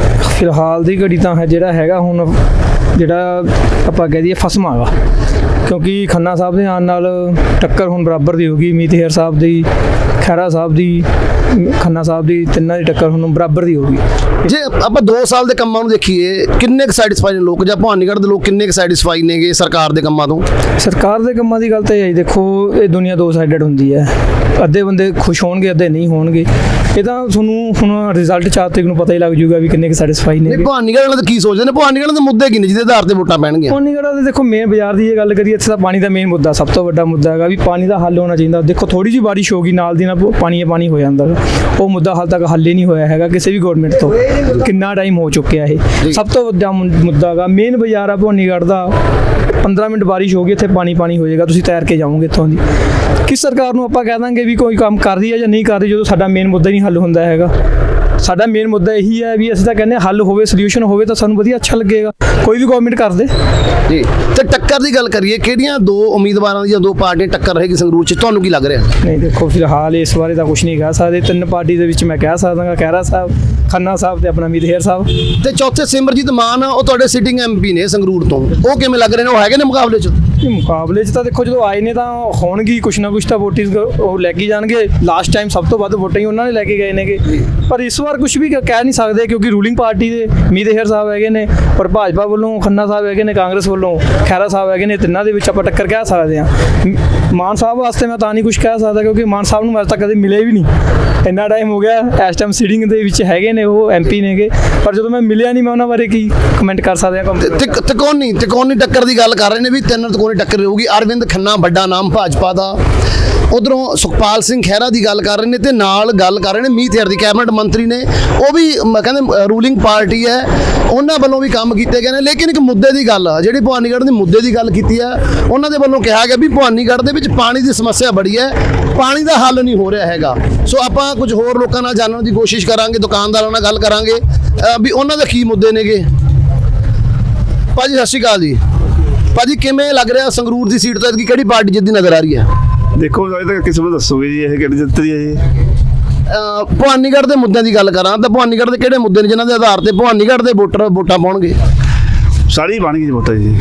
E: ਫਿਲਹਾਲ ਦੀ ਘੜੀ ਤਾਂ ਹੈ ਜਿਹੜਾ ਹੈਗਾ ਹੁਣ, ਜਿਹੜਾ ਆਪਾਂ ਕਹਿ ਦਈਏ ਫਸਮਾ ਵਾ, ਕਿਉਂਕਿ ਖੰਨਾ ਸਾਹਿਬ ਦੇ ਆਉਣ ਨਾਲ ਟੱਕਰ ਹੁਣ ਬਰਾਬਰ ਦੀ ਹੋ ਗਈ। ਮੀਤ ਹੇਰ ਸਾਹਿਬ ਦੀ, ਖਹਿਰਾ ਸਾਹਿਬ ਦੀ, ਖੰਨਾ ਸਾਹਿਬ ਦੀ, ਤਿੰਨਾਂ ਦੀ ਟੱਕਰ ਹੁਣ ਬਰਾਬਰ ਦੀ ਹੋ ਗਈ।
A: ਜੇ ਆਪਾਂ ਦੋ ਸਾਲ ਦੇ ਕੰਮਾਂ ਨੂੰ ਦੇਖੀਏ, ਕਿੰਨੇ ਕੁ ਸੈਟੀਸਫਾਈ ਨੇ ਲੋਕ, ਜਾਂ ਭਵਾਨੀਗੜ੍ਹ ਦੇ ਲੋਕ ਕਿੰਨੇ ਕੁ ਸੈਟੀਸਫਾਈ ਨੇਗੇ ਸਰਕਾਰ ਦੇ ਕੰਮਾਂ ਤੋਂ?
E: ਸਰਕਾਰ ਦੇ ਕੰਮਾਂ ਦੀ ਗੱਲ ਤਾਂ ਇਹ ਹੈ, ਦੇਖੋ ਇਹ ਦੁਨੀਆ ਦੋ ਸਾਈਡਡ ਹੁੰਦੀ ਹੈ, ਅੱਧੇ ਬੰਦੇ ਖੁਸ਼ ਹੋਣਗੇ, ਅੱਧੇ ਨਹੀਂ ਹੋਣਗੇ। ਇਹ ਤਾਂ ਤੁਹਾਨੂੰ ਹੁਣ ਰਿਜ਼ਲਟ ਚਾਰ ਤਰੀਕ ਨੂੰ ਪਤਾ ਹੀ ਲੱਗ ਜੂਗਾ ਵੀ ਕਿੰਨੇ ਕੁ ਸੈਟੀਸਫਾਈ ਨੇ।
A: ਭਵਾਨੀਗੜ੍ਹ ਵਾਲੇ ਤਾਂ ਕੀ ਸੋਚਦੇ ਨੇ? ਭਵਾਨੀਗੜ੍ਹ ਦੇ ਮੁੱਦੇ ਕੀ ਨੇ ਜਿਹਦੇ ਆਧਾਰ ਤੇ ਵੋਟਾਂ ਪੈਣਗੀਆਂ?
E: ਭਵਾਨੀਗੜ੍ਹ ਦੇ ਦੇਖੋ ਮੇਨ ਬਾਜ਼ਾਰ ਦੀ ਇਹ ਗੱਲ ਕਰੀਏ, ਇੱਥੇ ਤਾਂ ਪਾਣੀ ਦਾ ਮੇਨ ਮੁੱਦਾ, ਸਭ ਤੋਂ ਵੱਡਾ ਮੁੱਦਾ ਹੈਗਾ ਵੀ ਪਾਣੀ ਦਾ ਹੱਲ ਹੋਣਾ ਚਾਹੀਦਾ। ਦੇਖੋ ਥੋੜੀ ਜਿਹੀ ਬਾਰਿਸ਼ ਹੋ ਗਈ, ਨਾਲ ਦੀ ਨਾਲ ਪਾਣੀ ਪਾਣੀ ਹੋ ਜਾਂਦਾ, ਉਹ ਮੁੱਦਾ ਹਾਲ ਤੱਕ ਹੱਲ ਹੀ ਨਹੀਂ ਹੋਇਆ ਹੈਗਾ ਕਿਸੇ ਵੀ ਗਵਰਨਮੈਂਟ ਤੋਂ। ਕਿੰਨਾ ਟਾਈਮ ਹੋ ਚੁੱਕਿਆ ਇਹ, ਸਭ ਤੋਂ ਵੱਡਾ ਮੁੱਦਾ ਹੈਗਾ। ਮੇਨ ਬਾਜ਼ਾਰ ਆ ਭਵਾਨੀਗੜ੍ਹ ਦਾ, ਪੰਦਰਾਂ ਮਿੰਟ ਬਾਰਿਸ਼ ਹੋ ਗਈ, ਇੱਥੇ ਪਾਣੀ ਪਾਣੀ ਹੋ ਜਾਏਗਾ, ਤੁਸੀਂ ਤੈਰ ਕੇ ਜਾਓਗੇ ਇੱਥੋਂ ਦੀ। ਕਿਸ ਸਰਕਾਰ ਨੂੰ ਆਪਾਂ ਕਹਿ ਦਾਂਗੇ ਵੀ ਕੋਈ ਕੰਮ ਕਰ ਰਹੀ ਹੈ ਜਾਂ ਨਹੀਂ ਕਰ ਰਹੀ, ਜਦੋਂ ਸਾਡਾ ਮੇਨ ਮੁੱਦਾ ਹੀ ਨਹੀਂ ਹੱਲ ਹੁੰਦਾ ਹੈਗਾ। ਸਾਡਾ ਮੇਨ ਮੁੱਦਾ ਇਹੀ ਹੈ ਵੀ ਅਸੀਂ ਤਾਂ ਕਹਿੰਦੇ ਹੱਲ ਹੋਵੇ, ਸੋਲੂਸ਼ਨ ਹੋਵੇ ਤਾਂ ਸਾਨੂੰ ਵਧੀਆ ਅੱਛਾ ਲੱਗੇਗਾ, ਕੋਈ ਵੀ ਗਵਰਨਮੈਂਟ ਕਰ ਦੇ
A: ਜੀ। ਤੇ ਟੱਕਰ ਦੀ ਗੱਲ ਕਰੀਏ, ਕਿਹੜੀਆਂ ਦੋ ਉਮੀਦਵਾਰਾਂ ਦੀ ਜਾਂ ਦੋ ਪਾਰਟੀਆਂ ਟੱਕਰ ਰਹੇਗੀ ਸੰਗਰੂਰ 'ਚ, ਤੁਹਾਨੂੰ ਕੀ ਲੱਗ ਰਿਹਾ?
E: ਨਹੀਂ ਦੇਖੋ ਫਿਲਹਾਲ ਇਸ ਬਾਰੇ ਤਾਂ ਕੁਝ ਨਹੀਂ ਕਹਿ ਸਕਦੇ। ਤਿੰਨ ਪਾਰਟੀ ਦੇ ਵਿੱਚ ਮੈਂ ਕਹਿ ਸਕਦਾ ਖਹਿਰਾ ਸਾਹਿਬ, ਖੰਨਾ ਸਾਹਿਬ ਤੇ ਆਪਣਾ ਮੀਤ ਹੇਰ ਸਾਹਿਬ।
A: ਤੇ ਚੌਥੇ ਸਿਮਰਜੀਤ ਮਾਨ, ਉਹ ਤੁਹਾਡੇ ਸਿਟਿੰਗ ਐਮ ਪੀ ਨੇ ਸੰਗਰੂਰ ਤੋਂ, ਉਹ ਕਿਵੇਂ ਲੱਗ ਰਹੇ ਨੇ? ਉਹ ਹੈਗੇ ਨੇ ਮੁਕਾਬਲੇ 'ਚ?
E: ਇਹ ਮੁਕਾਬਲੇ 'ਚ ਤਾਂ ਦੇਖੋ ਜਦੋਂ ਆਏ ਨੇ ਤਾਂ ਹੋਣਗੀ ਕੁਛ ਨਾ ਕੁਛ ਤਾਂ ਵੋਟਿੰਗ ਉਹ ਲੈ ਕੇ ਜਾਣਗੇ। ਲਾਸਟ ਟਾਈਮ ਸਭ ਤੋਂ ਵੱਧ ਵੋਟਾਂ ਹੀ ਉਹਨਾਂ ਨੇ ਲੈ ਕੇ ਗਏ ਨੇਗੇ। ਪਰ ਇਸ ਵਾਰ ਕੁਝ ਵੀ ਕਹਿ ਨਹੀਂ ਸਕਦੇ ਕਿਉਂਕਿ ਰੂਲਿੰਗ ਪਾਰਟੀ ਦੇ ਮੀਤ ਹੇਰ ਸਾਹਿਬ ਹੈਗੇ ਨੇ, ਪਰ ਭਾਜਪਾ ਵੱਲੋਂ ਖੰਨਾ ਸਾਹਿਬ ਹੈਗੇ ਨੇ, ਕਾਂਗਰਸ ਵੱਲੋਂ ਖਹਿਰਾ ਸਾਹਿਬ ਹੈਗੇ ਨੇ। ਤਿੰਨਾਂ ਦੇ ਵਿੱਚ ਆਪਾਂ ਟੱਕਰ ਕਹਿ ਸਕਦੇ ਹਾਂ। ਮਾਨ ਸਾਹਿਬ ਵਾਸਤੇ ਮੈਂ ਤਾਂ ਨਹੀਂ ਕੁਝ ਕਹਿ ਸਕਦਾ ਕਿਉਂਕਿ ਮਾਨ ਸਾਹਿਬ ਨੂੰ ਅੱਜ ਤੱਕ ਕਦੇ ਮਿਲੇ ਵੀ ਨਹੀਂ, ਇੰਨਾ ਟਾਈਮ ਹੋ ਗਿਆ। ਇਸ ਟਾਈਮ ਸੀਟਿੰਗ ਦੇ ਵਿੱਚ ਹੈਗੇ ਨੇ, ਉਹ ਐਮ ਪੀ ਨੇਗੇ, ਪਰ ਜਦੋਂ ਮੈਂ ਮਿਲਿਆ ਨਹੀਂ ਮੈਂ ਉਹਨਾਂ ਬਾਰੇ ਕੀ ਕਮੈਂਟ ਕਰ ਸਕਦੇ ਹਾਂ।
A: ਤੇ ਤਿਕੋਨੀ ਤਿਕੋਨੀ ਟੱਕਰ ਦੀ ਗੱਲ ਕਰ ਰਹੇ ਨੇ ਵੀ ਤਿੰਨ ਤਿਕੋਨੀ ਟੱਕਰ ਰਹੂਗੀ। ਅਰਵਿੰਦ ਖੰਨਾ ਵੱਡਾ ਨਾਮ ਭਾਜਪਾ ਦਾ, ਉਧਰੋਂ ਸੁਖਪਾਲ ਸਿੰਘ ਖਹਿਰਾ ਦੀ ਗੱਲ ਕਰ ਰਹੇ ਨੇ, ਤੇ ਨਾਲ ਗੱਲ ਕਰ ਰਹੇ ਨੇ ਮੀਤ ਹੇਰ ਦੀ, ਕੈਬਨਿਟ ਮੰਤਰੀ ਨੇ, ਉਹ ਵੀ ਮ- ਕਹਿੰਦੇ ਰੂਲਿੰਗ ਪਾਰਟੀ ਹੈ, ਉਹਨਾਂ ਵੱਲੋਂ ਵੀ ਕੰਮ ਕੀਤੇ ਗਏ ਨੇ। ਲੇਕਿਨ ਇੱਕ ਮੁੱਦੇ ਦੀ ਗੱਲ ਆ, ਜਿਹੜੀ ਭਵਾਨੀਗੜ੍ਹ ਦੇ ਮੁੱਦੇ ਦੀ ਗੱਲ ਕੀਤੀ ਹੈ, ਉਹਨਾਂ ਦੇ ਵੱਲੋਂ ਕਿਹਾ ਗਿਆ ਵੀ ਭਵਾਨੀਗੜ੍ਹ ਦੇ ਵਿੱਚ ਪਾਣੀ ਦੀ ਸਮੱਸਿਆ ਬੜੀ ਹੈ, ਪਾਣੀ ਦਾ ਹੱਲ ਨਹੀਂ ਹੋ ਰਿਹਾ ਹੈਗਾ। ਸੋ ਆਪਾਂ ਕੁਝ ਹੋਰ ਲੋਕਾਂ ਨਾਲ ਜਾਣਨ ਦੀ ਕੋਸ਼ਿਸ਼ ਕਰਾਂਗੇ, ਦੁਕਾਨਦਾਰਾਂ ਨਾਲ ਗੱਲ ਕਰਾਂਗੇ ਅ, ਵੀ ਉਹਨਾਂ ਦੇ ਕੀ ਮੁੱਦੇ ਨੇਗੇ। ਭਾਜੀ ਸਤਿ ਸ਼੍ਰੀ ਅਕਾਲ ਜੀ। ਭਾਜੀ ਕਿਵੇਂ ਲੱਗ ਰਿਹਾ ਸੰਗਰੂਰ ਦੀ ਸੀਟ ਤੋਂ ਐਤਕੀ ਕਿਹੜੀ ਪਾਰਟੀ ਜਿੱਦੀ ਨਜ਼ਰ ਆ ਰਹੀ ਹੈ?
J: ਦੇਖੋ ਇਹ ਤਾਂ ਕਿਸੇ ਨੂੰ ਦੱਸੋਗੇ ਜੀ ਇਹ ਕਿਹੜੀ ਜਿੱਤਦੀ ਹੈ ਜੀ।
A: ਅ, ਭਵਾਨੀਗੜ੍ਹ ਦੇ ਮੁੱਦਿਆਂ ਦੀ ਗੱਲ ਕਰਾਂ ਤਾਂ ਭਵਾਨੀਗੜ੍ਹ ਦੇ ਕਿਹੜੇ ਮੁੱਦੇ ਨੇ ਜਿਨ੍ਹਾਂ ਦੇ ਆਧਾਰ ਤੇ ਭਵਾਨੀਗੜ੍ਹ ਦੇ ਵੋਟਰ ਵੋਟਾਂ ਪਾਉਣਗੇ?
J: ਸਾਰੀ ਬਣ ਗਈ ਜੀ ਵੋਟਾਂ ਜੀ।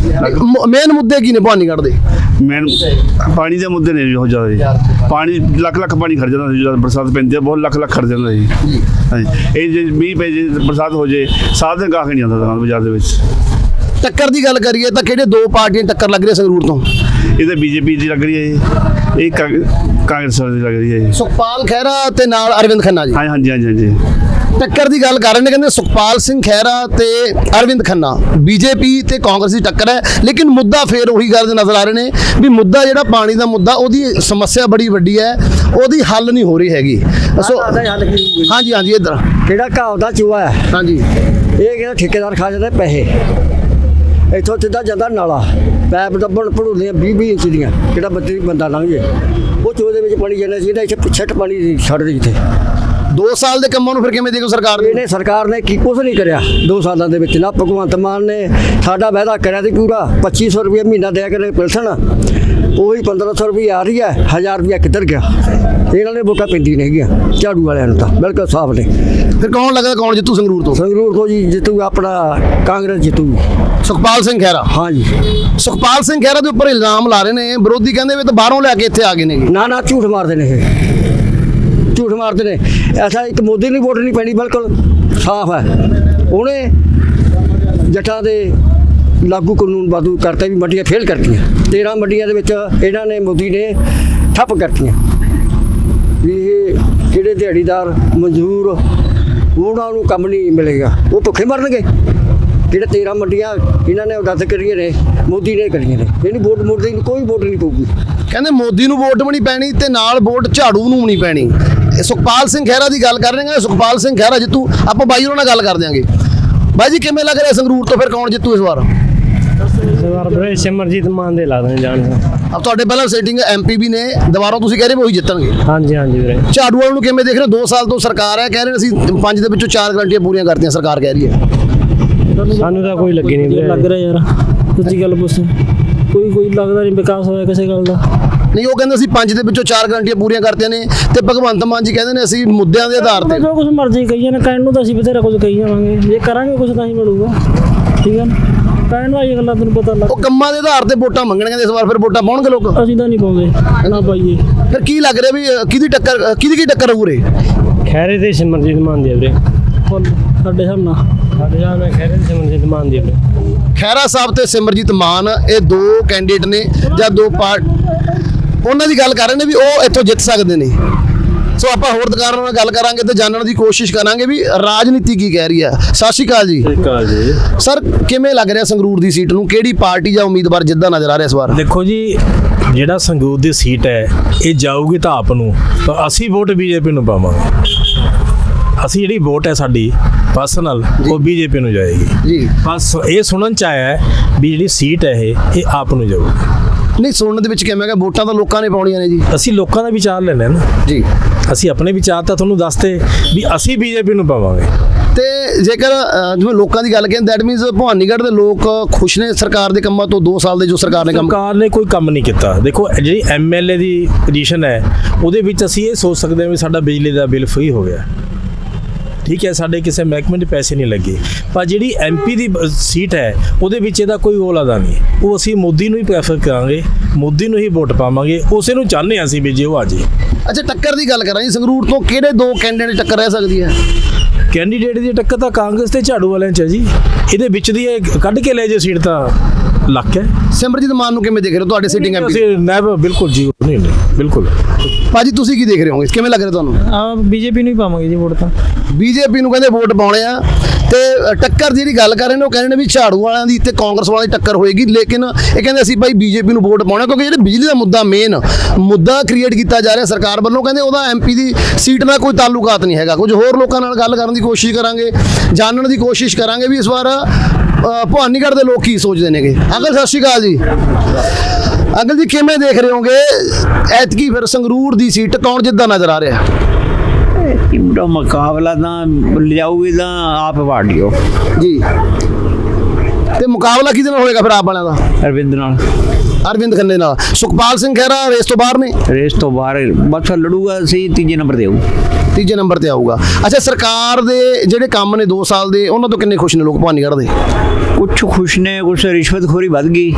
A: ਮੇਨ ਮੁੱਦੇ ਕੀ ਨੇ ਭਵਾਨੀਗੜ੍ਹ ਦੇ?
J: ਮੈਨ ਪਾਣੀ ਦੇ ਮੁੱਦੇ ਨੇ ਬਹੁਤ ਜ਼ਿਆਦਾ ਜੀ। ਪਾਣੀ ਲੱਖ ਲੱਖ ਪਾਣੀ ਖੜ ਜਾਂਦਾ ਸੀ, ਜਦੋਂ ਬਰਸਾਤ ਪੈਂਦੀ ਹੈ ਬਹੁਤ ਲੱਖ ਲੱਖ ਖੜ ਜਾਂਦਾ ਜੀ। ਹਾਂਜੀ ਇਹ ਜੇ ਮੀਂਹ ਪੈ ਜੇ ਬਰਸਾਤ ਹੋ ਜੇ ਸਾਧ ਦਿਨ ਗਾਹਕ ਨਹੀਂ ਆਉਂਦਾ ਦੁਕਾਨ ਬਾਜ਼ਾਰ ਦੇ ਵਿੱਚ।
A: ਟੱਕਰ ਦੀ ਗੱਲ ਕਰੀਏ ਤਾਂ ਕਿਹੜੇ ਦੋ ਪਾਰਟੀਆਂ ਟੱਕਰ ਲੱਗ ਰਹੀ ਹੈ ਸੰਗਰੂਰ ਤੋਂ?
J: ਇਹ ਤਾਂ ਬੀਜੇਪੀ ਦੀ ਲੱਗ ਰਹੀ ਹੈ ਜੀ, ਇਹ ਕਾਂਗ- ਕਾਂਗਰਸ ਦੀ ਲੱਗ ਰਹੀ ਹੈ ਜੀ।
A: ਸੁਖਪਾਲ ਖਹਿਰਾ ਤੇ ਨਾਲ ਅਰਵਿੰਦ ਖੰਨਾ ਜੀ।
J: ਹਾਂ ਹਾਂਜੀ ਹਾਂਜੀ ਹਾਂਜੀ
A: ਟੱਕਰ ਦੀ ਗੱਲ ਕਰ ਰਹੇ ਨੇ, ਕਹਿੰਦੇ ਸੁਖਪਾਲ ਸਿੰਘ ਖਹਿਰਾ ਤੇ ਅਰਵਿੰਦ ਖੰਨਾ, ਬੀਜੇਪੀ ਤੇ ਕਾਂਗਰਸ ਦੀ ਟੱਕਰ ਹੈ। ਲੇਕਿਨ ਮੁੱਦਾ ਫੇਰ ਉਹੀ ਗੱਲ ਨਜ਼ਰ ਆ ਰਹੇ ਨੇ ਵੀ ਮੁੱਦਾ ਜਿਹੜਾ ਪਾਣੀ ਦਾ ਮੁੱਦਾ, ਉਹਦੀ ਸਮੱਸਿਆ ਬੜੀ ਵੱਡੀ ਹੈ, ਉਹਦੀ ਹੱਲ ਨਹੀਂ ਹੋ ਰਹੀ ਹੈਗੀ। ਸੋ ਹਾਂਜੀ ਹਾਂਜੀ ਇੱਧਰ
I: ਕਿਹੜਾ ਘਾਹ ਦਾ ਚੂਹਾ ਹੈ,
A: ਹਾਂਜੀ
I: ਇਹ ਕਿਹੜਾ ਠੇਕੇਦਾਰ ਖਾ ਜਾਂਦਾ ਪੈਸੇ, ਇੱਥੋਂ ਸਿੱਧਾ ਜਾਂਦਾ ਨਾਲਾ, ਪੈਪ ਦੱਬਣ ਭੜੂਲੀਆਂ ਵੀਹ ਵੀਹ ਇੰਚ ਦੀਆਂ, ਕਿਹੜਾ ਬੱਤੀ ਬੰਦਾ ਲੰਘ ਜੇ ਉਹ ਚੂਹੇ ਦੇ ਵਿੱਚ ਪਾਣੀ ਜਾਂਦਾ ਸੀ, ਇੱਥੇ ਪਿੱਛੇ ਪਾਣੀ ਛੱਡ ਦੇ ਜਿੱਥੇ।
A: ਦੋ ਸਾਲ ਦੇ ਕੰਮਾਂ ਨੂੰ ਫਿਰ ਕਿਵੇਂ ਦੇਖੋ ਸਰਕਾਰ ਨੇ?
I: ਇਹਨੇ ਸਰਕਾਰ ਨੇ ਕੀ ਕੁਝ ਨਹੀਂ ਕਰਿਆ ਦੋ ਸਾਲਾਂ ਦੇ ਵਿੱਚ। ਨਾ ਭਗਵੰਤ ਮਾਨ ਨੇ ਸਾਡਾ ਵਾਅਦਾ ਕਰਿਆ ਸੀ ਪੂਰਾ, ਪੱਚੀ ਸੌ ਰੁਪਏ ਮਹੀਨਾ ਦਿਆ ਕਰੇ ਪਿਲਸਣ, ਉਹੀ ਪੰਦਰਾਂ ਸੌ ਰੁਪਏ ਆ ਰਹੀ ਹੈ, ਹਜ਼ਾਰ ਰੁਪਇਆ ਕਿੱਧਰ ਗਿਆ? ਇਹਨਾਂ ਨੇ ਵੋਟਾਂ ਪੈਂਦੀ ਨਹੀਂ ਹੈਗੀਆਂ ਝਾੜੂ ਵਾਲਿਆਂ ਨੂੰ, ਤਾਂ ਬਿਲਕੁਲ ਸਾਫ਼ ਨੇ।
A: ਫਿਰ ਕੌਣ ਲੱਗਦਾ ਕੌਣ ਜਿੱਤੂ ਸੰਗਰੂਰ ਤੋਂ?
I: ਸੰਗਰੂਰ ਤੋਂ ਜੀ ਜਿੱਤੂ ਆਪਣਾ ਕਾਂਗਰਸ ਜਿੱਤੂ।
A: ਸੁਖਪਾਲ ਸਿੰਘ ਖਹਿਰਾ।
I: ਹਾਂ ਜੀ।
A: ਸੁਖਪਾਲ ਸਿੰਘ ਖਹਿਰਾ ਦੇ ਉੱਪਰ ਇਲਜ਼ਾਮ ਲਾ ਰਹੇ ਨੇ ਵਿਰੋਧੀ, ਕਹਿੰਦੇ ਵੀ ਤਾਂ ਬਾਹਰੋਂ ਲੈ ਕੇ ਇੱਥੇ ਆ ਗਏ ਨੇ।
I: ਨਾ ਨਾ ਝੂਠ ਮਾਰਦੇ ਨੇ ਇਹ, ਝੂਠ ਮਾਰਦੇ ਨੇ। ਐਸਾ ਇੱਕ ਮੋਦੀ ਨੂੰ ਵੋਟ ਨਹੀਂ ਪੈਣੀ, ਬਿਲਕੁਲ ਸਾਫ਼ ਹੈ। ਉਹਨੇ ਜੱਟਾਂ ਦੇ ਲਾਗੂ ਕਾਨੂੰਨ ਬਾਦੂ ਕਰਤੇ ਵੀ ਮੰਡੀਆਂ ਫੇਲ ਕਰਤੀਆਂ, ਤੇਰ੍ਹਾਂ ਮੰਡੀਆਂ ਦੇ ਵਿੱਚ ਇਹਨਾਂ ਨੇ ਮੋਦੀ ਨੇ ਠੱਪ ਕਰਤੀਆਂ ਵੀ ਇਹ ਜਿਹੜੇ ਦਿਹਾੜੀਦਾਰ ਮਜ਼ਦੂਰ ਉਹਨਾਂ ਨੂੰ ਕੰਮ ਨਹੀਂ ਮਿਲੇਗਾ, ਉਹ ਭੁੱਖੇ ਮਰਨਗੇ। ਜਿਹੜੇ ਤੇਰ੍ਹਾਂ ਮੰਡੀਆਂ ਇਹਨਾਂ ਨੇ ਰੱਦ ਕਰੀਆਂ ਨੇ, ਮੋਦੀ ਨੇ ਕਰੀਆਂ ਨੇ, ਇਹਨੂੰ ਵੋਟ ਮੋਦੀ ਨੂੰ ਕੋਈ ਵੋਟ ਨਹੀਂ ਪਊਗੀ।
A: ਕਹਿੰਦੇ ਮੋਦੀ ਨੂੰ ਵੋਟ ਵੀ ਨਹੀਂ ਪੈਣੀ ਤੇ ਨਾਲ ਵੋਟ ਝਾੜੂ ਨੂੰ ਵੀ ਨਹੀਂ ਪੈਣੀ। ਇਹ ਸੁਖਪਾਲ ਸਿੰਘ ਖਹਿਰਾ ਦੀ ਗੱਲ ਕਰ ਰਹੇ ਨੇ, ਸੁਖਪਾਲ ਸਿੰਘ ਖਹਿਰਾ ਜਿੱਤੂ। ਆਪਾਂ ਬਾਈ ਉਹਨਾਂ ਨਾਲ ਗੱਲ ਕਰ ਦਿਆਂਗੇ। ਬਾਈ ਜੀ ਕਿਵੇਂ ਲੱਗ ਰਿਹਾ ਸੰਗਰੂਰ ਤੋਂ ਫਿਰ ਕੌਣ ਜਿੱਤੂ ਇਸ ਵਾਰ?
G: ਸਰਦਾਰ ਬਰੇ ਸਿਮਰਜੀਤ ਮਾਨ ਦੇ ਲਾ ਦੇਣ ਜਾਣ।
A: ਅਬ ਤੁਹਾਡੇ ਪਹਿਲਾਂ ਸੀਟਿੰਗ ਐਮਪੀ ਵੀ ਨੇ, ਦੁਬਾਰਾ ਤੁਸੀਂ ਕਹਿ ਰਹੇ ਵੀ ਉਹੀ ਜਿੱਤਣਗੇ।
G: ਹਾਂਜੀ ਹਾਂਜੀ ਵੀਰੇ।
A: ਝਾੜੂ ਵਾਲਿਆਂ ਨੂੰ ਕਿਵੇਂ ਦੇਖ ਰਹੇ ਹੋ? ਦੋ ਸਾਲ ਤੋਂ ਸਰਕਾਰ ਹੈ, ਕਹਿ ਰਹੇ ਨੇ ਅਸੀਂ ਪੰਜ ਦੇ ਵਿੱਚੋਂ ਚਾਰ ਗਰੰਟੀਆਂ ਪੂਰੀਆਂ ਕਰਤੀਆਂ, ਸਰਕਾਰ ਕਹਿ ਰਹੀ ਹੈ।
G: ਸਾਨੂੰ ਤਾਂ ਕੋਈ ਲੱਗੀ ਨਹੀਂ ਵੀਰੇ। ਲੱਗ ਰਿਹਾ ਯਾਰ, ਸੱਚੀ ਗੱਲ ਪੁੱਛ, ਕੋਈ ਕੋਈ ਲੱਗਦਾ ਨਹੀਂ ਵਿਕਾਸ ਹੋਇਆ ਕਿਸੇ ਗੱਲ ਦਾ।
A: ਨਹੀਂ ਉਹ ਕਹਿੰਦੇ ਅਸੀਂ ਪੰਜ ਦੇ ਵਿੱਚੋਂ ਚਾਰ ਗਰੰਟੀਆਂ ਪੂਰੀਆਂ ਕਰਤੀਆਂ ਨੇ, ਤੇ ਭਗਵੰਤ ਮਾਨ ਜੀ ਕਹਿੰਦੇ ਨੇ ਅਸੀਂ ਮੁੱਦਿਆਂ ਦੇ ਆਧਾਰ ਤੇ
G: ਜੋ ਕੁਝ ਮਰਜ਼ੀ ਕਹੀ ਜਾਣ, ਕਹਿਣ ਨੂੰ ਤਾਂ ਅਸੀਂ ਬਥੇਰਾ ਕੁਝ ਕਹੀ ਜਾਵਾਂਗੇ, ਜੇ ਕਰਾਂਗੇ ਕੁਝ ਤਾਂ ਹੀ ਮਿਲੂਗਾ। ਠੀਕ ਹੈ ਨਾ, ਕਹਿਣ ਵਾਲੀ ਗੱਲਾਂ ਤੈਨੂੰ ਪਤਾ ਲੱਗ।
A: ਉਹ ਕੰਮਾਂ ਦੇ ਆਧਾਰ ਤੇ ਵੋਟਾਂ ਮੰਗਣਗੇ ਇਸ ਵਾਰ, ਫਿਰ ਵੋਟਾਂ ਪਾਉਣਗੇ ਲੋਕ?
G: ਅਸੀਂ ਤਾਂ ਨਹੀਂ ਪਾਉਂਦੇ ਨਾ ਪਾਈਏ।
A: ਫਿਰ ਕੀ ਲੱਗ ਰਿਹਾ ਵੀ ਅ, ਕਿਹਦੀ ਟੱਕਰ ਅ, ਕਿਹਦੀ ਕੀ ਟੱਕਰ ਹੋਊ ਰੇ?
G: ਖੈਰੇ ਤੇ ਸਿਮਰਜੀਤ ਮਾਨ ਦੀ ਵੀਰੇ, ਸਾਡੇ ਹਿਸਾਬ ਨਾਲ ਸਾਡੇ ਹਿਸਾਬ ਨਾਲ ਖੈਰੇ ਤੇ ਸਿਮਰਜੀਤ ਮਾਨ ਦੀ ਵੀਰੇ।
A: ਖਹਿਰਾ ਸਾਹਿਬ ਤੇ ਸਿਮਰਜੀਤ ਮਾਨ ਇਹ ਦੋ ਕੈਂਡੀਡੇਟ ਨੇ ਜਾਂ ਦੋ ਪਾਰਟ, ਉਹਨਾਂ ਦੀ ਗੱਲ ਕਰ ਰਹੇ ਨੇ ਵੀ ਉਹ ਇੱਥੋਂ ਜਿੱਤ ਸਕਦੇ ਨੇ। ਸੋ ਆਪਾਂ ਹੋਰ ਦੁਕਾਨਾਂ ਨਾਲ ਗੱਲ ਕਰਾਂਗੇ ਤੇ ਜਾਣਨ ਦੀ ਕੋਸ਼ਿਸ਼ ਕਰਾਂਗੇ ਵੀ ਰਾਜਨੀਤੀ ਕੀ ਕਹਿ ਰਹੀ ਹੈ। ਸਤਿ ਸ਼੍ਰੀ ਅਕਾਲ ਜੀ।
H: ਸਤਿ ਸ਼੍ਰੀ ਅਕਾਲ ਜੀ।
A: ਸਰ ਕਿਵੇਂ ਲੱਗ ਰਿਹਾ ਸੰਗਰੂਰ ਦੀ ਸੀਟ ਨੂੰ, ਕਿਹੜੀ ਪਾਰਟੀ ਜਾਂ ਉਮੀਦਵਾਰ ਜਿੱਦਾਂ ਨਜ਼ਰ ਆ ਰਿਹਾ ਇਸ ਵਾਰ?
H: ਦੇਖੋ ਜੀ, ਜਿਹੜਾ ਸੰਗਰੂਰ ਦੀ ਸੀਟ ਹੈ ਇਹ ਜਾਊਗੀ ਤਾਂ ਆਪ ਨੂੰ, ਤਾਂ ਅਸੀਂ ਵੋਟ ਬੀਜੇਪੀ ਨੂੰ ਪਾਵਾਂਗੇ। ਅਸੀਂ ਜਿਹੜੀ ਵੋਟ ਹੈ ਸਾਡੀ ਪਰਸਨਲ, ਉਹ ਬੀਜੇਪੀ ਨੂੰ ਜਾਏਗੀ
A: ਜੀ।
H: ਬਸ ਇਹ ਸੁਣਨ ਚ ਆਇਆ ਹੈ ਵੀ ਜਿਹੜੀ ਸੀਟ ਹੈ ਇਹ ਇਹ ਆਪ ਨੂੰ ਜਾਊਗੀ।
A: ਨਹੀਂ ਸੁਣਨ ਦੇ ਵਿੱਚ ਕਿਵੇਂ ਹੈਗਾ, ਵੋਟਾਂ ਤਾਂ ਲੋਕਾਂ ਨੇ ਪਾਉਣੀਆਂ ਨੇ ਜੀ।
H: ਅਸੀਂ ਲੋਕਾਂ ਦਾ ਵਿਚਾਰ ਲੈਣਾ ਨਾ
A: ਜੀ।
H: ਅਸੀਂ ਆਪਣੇ ਵਿਚਾਰ ਤਾਂ ਤੁਹਾਨੂੰ ਦੱਸਦੇ ਵੀ ਅਸੀਂ ਬੀਜੇਪੀ ਨੂੰ ਪਾਵਾਂਗੇ।
A: ਤੇ ਜੇਕਰ ਅ, ਜਿਵੇਂ ਲੋਕਾਂ ਦੀ ਗੱਲ ਕਰੀਏ, ਦੈਟ ਮੀਨਸ ਭਵਾਨੀਗੜ੍ਹ ਦੇ ਲੋਕ ਖੁਸ਼ ਨੇ ਸਰਕਾਰ ਦੇ ਕੰਮਾਂ ਤੋਂ? ਦੋ ਸਾਲ ਦੇ ਜੋ ਸਰਕਾਰ ਨੇ ਕੰਮ
H: ਸਰਕਾਰ ਨੇ ਕੋਈ ਕੰਮ ਨਹੀਂ ਕੀਤਾ। ਦੇਖੋ ਜਿਹੜੀ ਐਮ ਐਲ ਏ ਦੀ ਪੋਜੀਸ਼ਨ ਹੈ ਉਹਦੇ ਵਿੱਚ ਅਸੀਂ ਇਹ ਸੋਚ ਸਕਦੇ ਹਾਂ ਵੀ ਸਾਡਾ ਬਿਜਲੀ ਦਾ ਬਿੱਲ ਫ੍ਰੀ ਹੋ ਗਿਆ। ਠੀਕ ਹੈ, ਸਾਡੇ ਕਿਸੇ ਮਹਿਕਮੇ ਦੇ ਪੈਸੇ ਨਹੀਂ ਲੱਗੇ, ਪਰ ਜਿਹੜੀ ਐਮਪੀ ਦੀ ਬ- ਸੀਟ ਹੈ ਉਹਦੇ ਵਿੱਚ ਇਹਦਾ ਕੋਈ ਉਹ ਲੱਗਦਾ ਨਹੀਂ। ਉਹ ਅਸੀਂ ਮੋਦੀ ਨੂੰ ਹੀ ਪ੍ਰੈਫਰ ਕਰਾਂਗੇ, ਮੋਦੀ ਨੂੰ ਹੀ ਵੋਟ ਪਾਵਾਂਗੇ, ਉਸੇ ਨੂੰ ਚਾਹੁੰਦੇ ਹਾਂ ਅਸੀਂ ਵੀ ਜੇ ਉਹ ਆ ਜੇ।
A: ਅੱਛਾ, ਟੱਕਰ ਦੀ ਗੱਲ ਕਰਾਂ ਜੀ, ਸੰਗਰੂਰ ਤੋਂ ਕਿਹੜੇ ਦੋ ਕੈਂਡੀਡੇਟ ਟੱਕਰ ਰਹਿ ਸਕਦੀ ਹੈ?
H: ਕੈਂਡੀਡੇਟ ਦੀ ਟੱਕਰ ਤਾਂ ਕਾਂਗਰਸ ਤੇ ਝਾੜੂ ਵਾਲਿਆਂ 'ਚ ਹੈ ਜੀ। ਇਹਦੇ ਵਿੱਚ ਦੀ ਇਹ ਕੱਢ ਕੇ ਲੈ ਜੇ ਸੀਟ ਤਾਂ ਲੱਕ ਹੈ।
A: ਸਿਮਰਜੀਤ ਮਾਨ ਨੂੰ ਕਿਵੇਂ ਦੇਖ ਰਹੇ ਹੋ ਤੁਹਾਡੇ ਸਿਟਿੰਗ ਐਮਪੀ?
H: ਅਸੀਂ ਨੈਬ ਬਿਲਕੁਲ ਜੀ, ਨਹੀਂ ਨਹੀਂ ਬਿਲਕੁਲ।
A: ਭਾਜੀ ਤੁਸੀਂ ਕੀ ਦੇਖ ਰਹੇ ਹੋਗੇ, ਕਿਵੇਂ ਲੱਗ ਰਿਹਾ ਤੁਹਾਨੂੰ?
E: ਆ ਬੀਜੇਪੀ ਨੂੰ ਹੀ ਪਾਵਾਂਗੇ ਜੀ ਵੋਟ ਤਾਂ।
A: ਬੀਜੇਪੀ ਨੂੰ ਕਹਿੰਦੇ ਵੋਟ ਪਾਉਣੇ ਆ, ਤੇ ਟੱਕਰ ਜਿਹੜੀ ਗੱਲ ਕਰ ਰਹੇ ਨੇ ਉਹ ਕਹਿੰਦੇ ਨੇ ਵੀ ਝਾੜੂ ਵਾਲਿਆਂ ਦੀ ਤੇ ਕਾਂਗਰਸ ਵਾਲਿਆਂ ਦੀ ਟੱਕਰ ਹੋਏਗੀ, ਲੇਕਿਨ ਇਹ ਕਹਿੰਦੇ ਅਸੀਂ ਭਾਈ ਬੀਜੇਪੀ ਨੂੰ ਵੋਟ ਪਾਉਣਾ, ਕਿਉਂਕਿ ਜਿਹੜੇ ਬਿਜਲੀ ਦਾ ਮੁੱਦਾ ਮੇਨ ਮੁੱਦਾ ਕ੍ਰੀਏਟ ਕੀਤਾ ਜਾ ਰਿਹਾ ਸਰਕਾਰ ਵੱਲੋਂ, ਕਹਿੰਦੇ ਉਹਦਾ ਐਮਪੀ ਦੀ ਸੀਟ ਨਾਲ ਕੋਈ ਤਾਲੁਕਾਤ ਨਹੀਂ ਹੈਗਾ। ਕੁਝ ਹੋਰ ਲੋਕਾਂ ਨਾਲ ਗੱਲ ਕਰਨ ਦੀ ਕੋਸ਼ਿਸ਼ ਕਰਾਂਗੇ, ਜਾਣਨ ਦੀ ਕੋਸ਼ਿਸ਼ ਕਰਾਂਗੇ ਵੀ ਇਸ ਵਾਰ ਅ, ਭਵਾਨੀਗੜ੍ਹ ਦੇ ਲੋਕ ਕੀ ਸੋਚਦੇ ਨੇਗੇ। ਅੰਕਲ ਸਤਿ ਸ਼੍ਰੀ ਅਕਾਲ ਜੀ। ਅੰਕਲ ਜੀ ਕਿਵੇਂ ਦੇਖ ਰਹੇ ਹੋਗੇ ਐਤਕੀ ਫਿਰ ਸੰਗਰੂਰ ਦੀ ਸੀਟ ਕੌਣ ਜਿੱਦਾਂ ਨਜ਼ਰ ਆ ਰਿਹਾ?
K: ਇਹਦਾ ਮੁਕਾਬਲਾ ਤਾਂ ਲਿਜਾਊਗੀ ਤਾਂ ਆਪ ਵਾੜ ਲਿਓ
A: ਜੀ, ਤੇ ਮੁਕਾਬਲਾ ਕਿਹਦੇ ਨਾਲ ਹੋਏਗਾ ਫਿਰ ਆਪ ਵਾਲਿਆਂ ਦਾ?
K: ਅਰਵਿੰਦ ਨਾਲ,
A: ਅਰਵਿੰਦ ਖੰਨੇ ਨਾਲ। ਸੁਖਪਾਲ ਸਿੰਘ ਖਹਿਰਾ ਰੇਸ ਤੋਂ ਬਾਹਰ ਨੇ?
K: ਰੇਸ ਤੋਂ ਬਾਹਰ ਬਸ ਲੜੂਗਾ, ਸੀ ਤੀਜੇ ਨੰਬਰ ਤੇ ਆਊ।
A: ਤੀਜੇ ਨੰਬਰ ਤੇ ਆਊਗਾ। ਅੱਛਾ, ਸਰਕਾਰ ਦੇ ਜਿਹੜੇ ਕੰਮ ਨੇ ਦੋ ਸਾਲ ਦੇ, ਉਹਨਾਂ ਤੋਂ ਕਿੰਨੇ ਖੁਸ਼ ਨੇ ਲੋਕ ਭਵਾਨੀਗੜ੍ਹ ਦੇ?
K: ਕੁਛ ਖੁਸ਼ ਨੇ, ਕੁਛ ਰਿਸ਼ਵਤਖੋਰੀ ਵੱਧ ਗਈ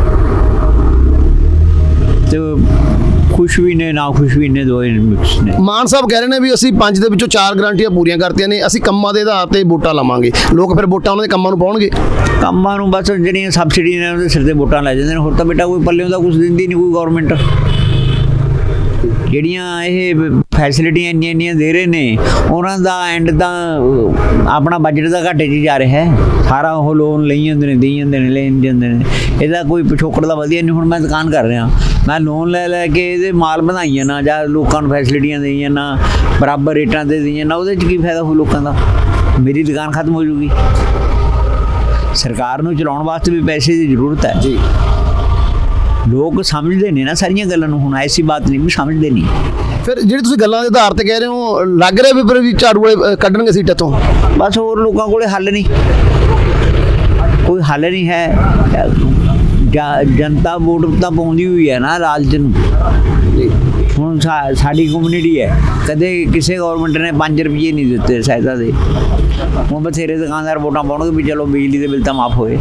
K: ਤੇ ਖੁਸ਼ ਵੀ ਨੇ, ਨਾ ਖੁਸ਼ ਵੀ ਨੇ, ਦੋਏ ਮਿਕਸ ਨੇ।
A: ਮਾਨ ਸਾਹਿਬ ਕਹਿ ਰਹੇ ਨੇ ਵੀ ਅਸੀਂ ਪੰਜ ਦੇ ਵਿੱਚੋਂ ਚਾਰ ਗਰੰਟੀਆਂ ਪੂਰੀਆਂ ਕਰਤੀਆਂ ਨੇ, ਅਸੀਂ ਕੰਮਾਂ ਦੇ ਆਧਾਰ ਤੇ ਵੋਟਾਂ ਲਵਾਂਗੇ। ਲੋਕ ਫਿਰ ਵੋਟਾਂ ਉਹਨਾਂ ਦੇ ਕੰਮਾਂ ਨੂੰ ਪਾਉਣਗੇ।
K: ਕੰਮਾਂ ਨੂੰ ਬਸ ਜਿਹੜੀਆਂ ਸਬਸਿਡੀ ਨੇ ਉਹਦੇ ਸਿਰ ਤੇ ਵੋਟਾਂ ਲੈ ਜਾਂਦੇ ਨੇ, ਹੋਰ ਤਾਂ ਬੇਟਾ ਕੋਈ ਪੱਲਿਓਂ ਦਾ ਕੁਝ ਦਿੰਦੀ ਨਹੀਂ ਕੋਈ ਗਵਰਨਮੈਂਟ। ਜਿਹੜੀਆਂ ਇਹ ਫੈਸਿਲਿਟੀਆਂ ਇੰਨੀਆਂ ਇੰਨੀਆਂ ਦੇ ਰਹੇ ਨੇ, ਉਹਨਾਂ ਦਾ ਐਂਡ ਤਾਂ ਆਪਣਾ ਬਜਟ ਦਾ ਘਾਟੇ 'ਚ ਜਾ ਰਿਹਾ ਹੈ। ਸਾਰਾ ਉਹ ਲੋਨ ਲਈ ਜਾਂਦੇ ਨੇ, ਦੇਈ ਜਾਂਦੇ ਨੇ, ਲੈਣ ਜਾਂਦੇ ਨੇ। ਇਹਦਾ ਕੋਈ ਪਿਛੋਕੜ ਦਾ ਵਧੀਆ ਨਹੀਂ। ਹੁਣ ਮੈਂ ਦੁਕਾਨ ਕਰ ਰਿਹਾ, ਮੈਂ ਲੋਨ ਲੈ ਲੈ ਕੇ ਇਹਦੇ ਮਾਲ ਵਧਾਈਆਂ ਨਾ, ਜਾਂ ਲੋਕਾਂ ਨੂੰ ਫੈਸਿਲਿਟੀਆਂ ਦੇਈਆਂ ਨਾ, ਬਰਾਬਰ ਰੇਟਾਂ 'ਤੇ ਦੇਈਆਂ ਨਾ, ਉਹਦੇ 'ਚ ਕੀ ਫਾਇਦਾ ਹੋ ਲੋਕਾਂ ਦਾ? ਮੇਰੀ ਦੁਕਾਨ ਖਤਮ ਹੋ ਜੂਗੀ। ਸਰਕਾਰ ਨੂੰ ਚਲਾਉਣ ਵਾਸਤੇ ਵੀ ਪੈਸੇ ਦੀ ਜ਼ਰੂਰਤ ਹੈ ਜੀ। ਲੋਕ ਸਮਝਦੇ ਨੇ ਨਾ ਸਾਰੀਆਂ ਗੱਲਾਂ ਨੂੰ, ਹੁਣ ਐਸੀ ਬਾਤ ਨਹੀਂ ਵੀ ਸਮਝਦੇ ਨਹੀਂ।
A: ਫਿਰ ਜਿਹੜੀ ਤੁਸੀਂ ਗੱਲਾਂ ਦੇ ਆਧਾਰ ਤੇ ਕਹਿ ਰਹੇ ਹੋ, ਲੱਗ ਰਿਹਾ ਵੀ ਫਿਰ ਵੀ ਝਾੜੂ ਵਾਲੇ ਕੱਢਣਗੇ ਸੀਟਾਂ ਤੋਂ?
K: ਬਸ ਹੋਰ ਲੋਕਾਂ ਕੋਲੇ ਹੱਲ ਨਹੀਂ, ਕੋਈ ਹੱਲ ਨਹੀਂ ਹੈ। ਜਨਤਾ ਵੋਟ ਤਾਂ ਪਾਉਂਦੀ ਹੋਈ ਹੈ ਨਾ ਲਾਲਚ ਨੂੰ। ਹੁਣ ਸਾ- ਸਾਡੀ ਕਮਿਊਨਿਟੀ ਹੈ, ਕਦੇ ਕਿਸੇ ਗਵਰਨਮੈਂਟ ਨੇ ਪੰਜ ਰੁਪਏ ਨਹੀਂ ਦਿੱਤੇ ਸਹਾਇਤਾ ਦੇ। ਹੁਣ ਬਥੇਰੇ ਦੁਕਾਨਦਾਰ ਵੋਟਾਂ ਪਾਉਣਗੇ ਵੀ ਚਲੋ ਬਿਜਲੀ ਦੇ ਬਿੱਲ ਤਾਂ ਮਾਫ ਹੋਏ।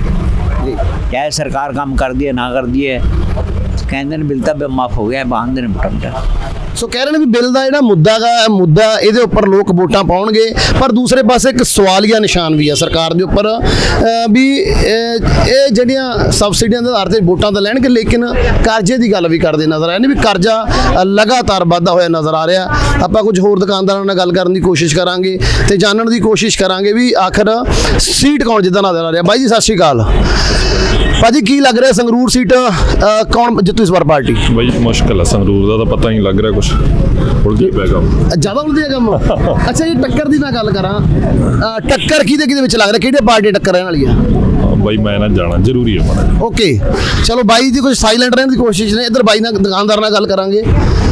K: ਚਾਹੇ ਸਰਕਾਰ ਕੰਮ ਕਰਦੀ ਹੈ ਨਾ ਕਰਦੀ ਹੈ, ਕਹਿੰਦੇ ਨੇ ਬਿੱਲ ਤਾਂ ਮਾਫ ਹੋ ਗਿਆ, ਬਾਂਧਦੇ ਨੇ ਮੋਟਾ-ਮੋਟਾ।
A: ਸੋ ਕਹਿ ਰਹੇ ਨੇ ਵੀ ਬਿੱਲ ਦਾ ਜਿਹੜਾ ਮੁੱਦਾ ਗਾ ਮੁੱਦਾ ਇਹਦੇ ਉੱਪਰ ਲੋਕ ਵੋਟਾਂ ਪਾਉਣਗੇ, ਪਰ ਦੂਸਰੇ ਪਾਸੇ ਇੱਕ ਸਵਾਲੀਆ ਨਿਸ਼ਾਨ ਵੀ ਆ ਸਰਕਾਰ ਦੇ ਉੱਪਰ ਅ, ਵੀ ਅ, ਇਹ ਜਿਹੜੀਆਂ ਸਬਸਿਡੀਆਂ ਦੇ ਆਧਾਰ ਤੇ ਵੋਟਾਂ ਤਾਂ ਲੈਣਗੇ, ਲੇਕਿਨ ਕਰਜ਼ੇ ਦੀ ਗੱਲ ਵੀ ਕਰਦੇ ਨਜ਼ਰ ਆਏ ਨੇ ਵੀ ਕਰਜ਼ਾ ਅ, ਲਗਾਤਾਰ ਵੱਧਦਾ ਹੋਇਆ ਨਜ਼ਰ ਆ ਰਿਹਾ। ਆਪਾਂ ਕੁਝ ਹੋਰ ਦੁਕਾਨਦਾਰਾਂ ਨਾਲ ਗੱਲ ਕਰਨ ਦੀ ਕੋਸ਼ਿਸ਼ ਕਰਾਂਗੇ ਤੇ ਜਾਣਨ ਦੀ ਕੋਸ਼ਿਸ਼ ਕਰਾਂਗੇ ਵੀ ਆਖਰ ਸੀਟ ਕੌਣ ਜਿੱਦਾਂ ਨਜ਼ਰ ਆ ਰਿਹਾ। ਬਾਈ ਜੀ ਸਤਿ ਸ਼੍ਰੀ ਅਕਾਲ। ਭਾਜੀ ਕੀ ਲੱਗ ਰਿਹਾ ਸੰਗਰੂਰ ਸੀਟ ਅ, ਕੌਣ ਜਿੱਤੂ ਇਸ ਵਾਰ ਪਾਰਟੀ?
L: ਬਈ ਮੁਸ਼ਕਿਲ ਹੈ, ਸੰਗਰੂਰ ਦਾ ਤਾਂ ਪਤਾ ਹੀ ਨਹੀਂ ਲੱਗ ਰਿਹਾ ਕੁਝ, ਉਲਝੀ ਪਿਆ ਕੰਮ
A: ਜ਼ਿਆਦਾ ਉਲਝਿਆ ਕੰਮ। ਅੱਛਾ ਜੀ, ਟੱਕਰ ਦੀ ਮੈਂ ਗੱਲ ਕਰਾਂ, ਅ, ਟੱਕਰ ਕਿਹਦੇ ਕਿਹਦੇ ਵਿੱਚ ਲੱਗ ਰਿਹਾ, ਕਿਹੜੇ ਪਾਰਟੀ ਟੱਕਰ ਰਹਿਣ ਵਾਲੀ ਆ?
L: ਬਈ ਮੈਂ ਨਾ ਜਾਣਾ ਜ਼ਰੂਰੀ ਹੈ ਮਾੜਾ।
A: ਓਕੇ, ਚਲੋ ਬਾਈ ਜੀ ਕੁਝ ਸਾਇਲੈਂਟ ਰਹਿਣ ਦੀ ਕੋਸ਼ਿਸ਼ ਨੇ। ਇੱਧਰ ਬਾਈ ਨਾਲ ਦੁਕਾਨਦਾਰ ਨਾਲ ਗੱਲ ਕਰਾਂਗੇ।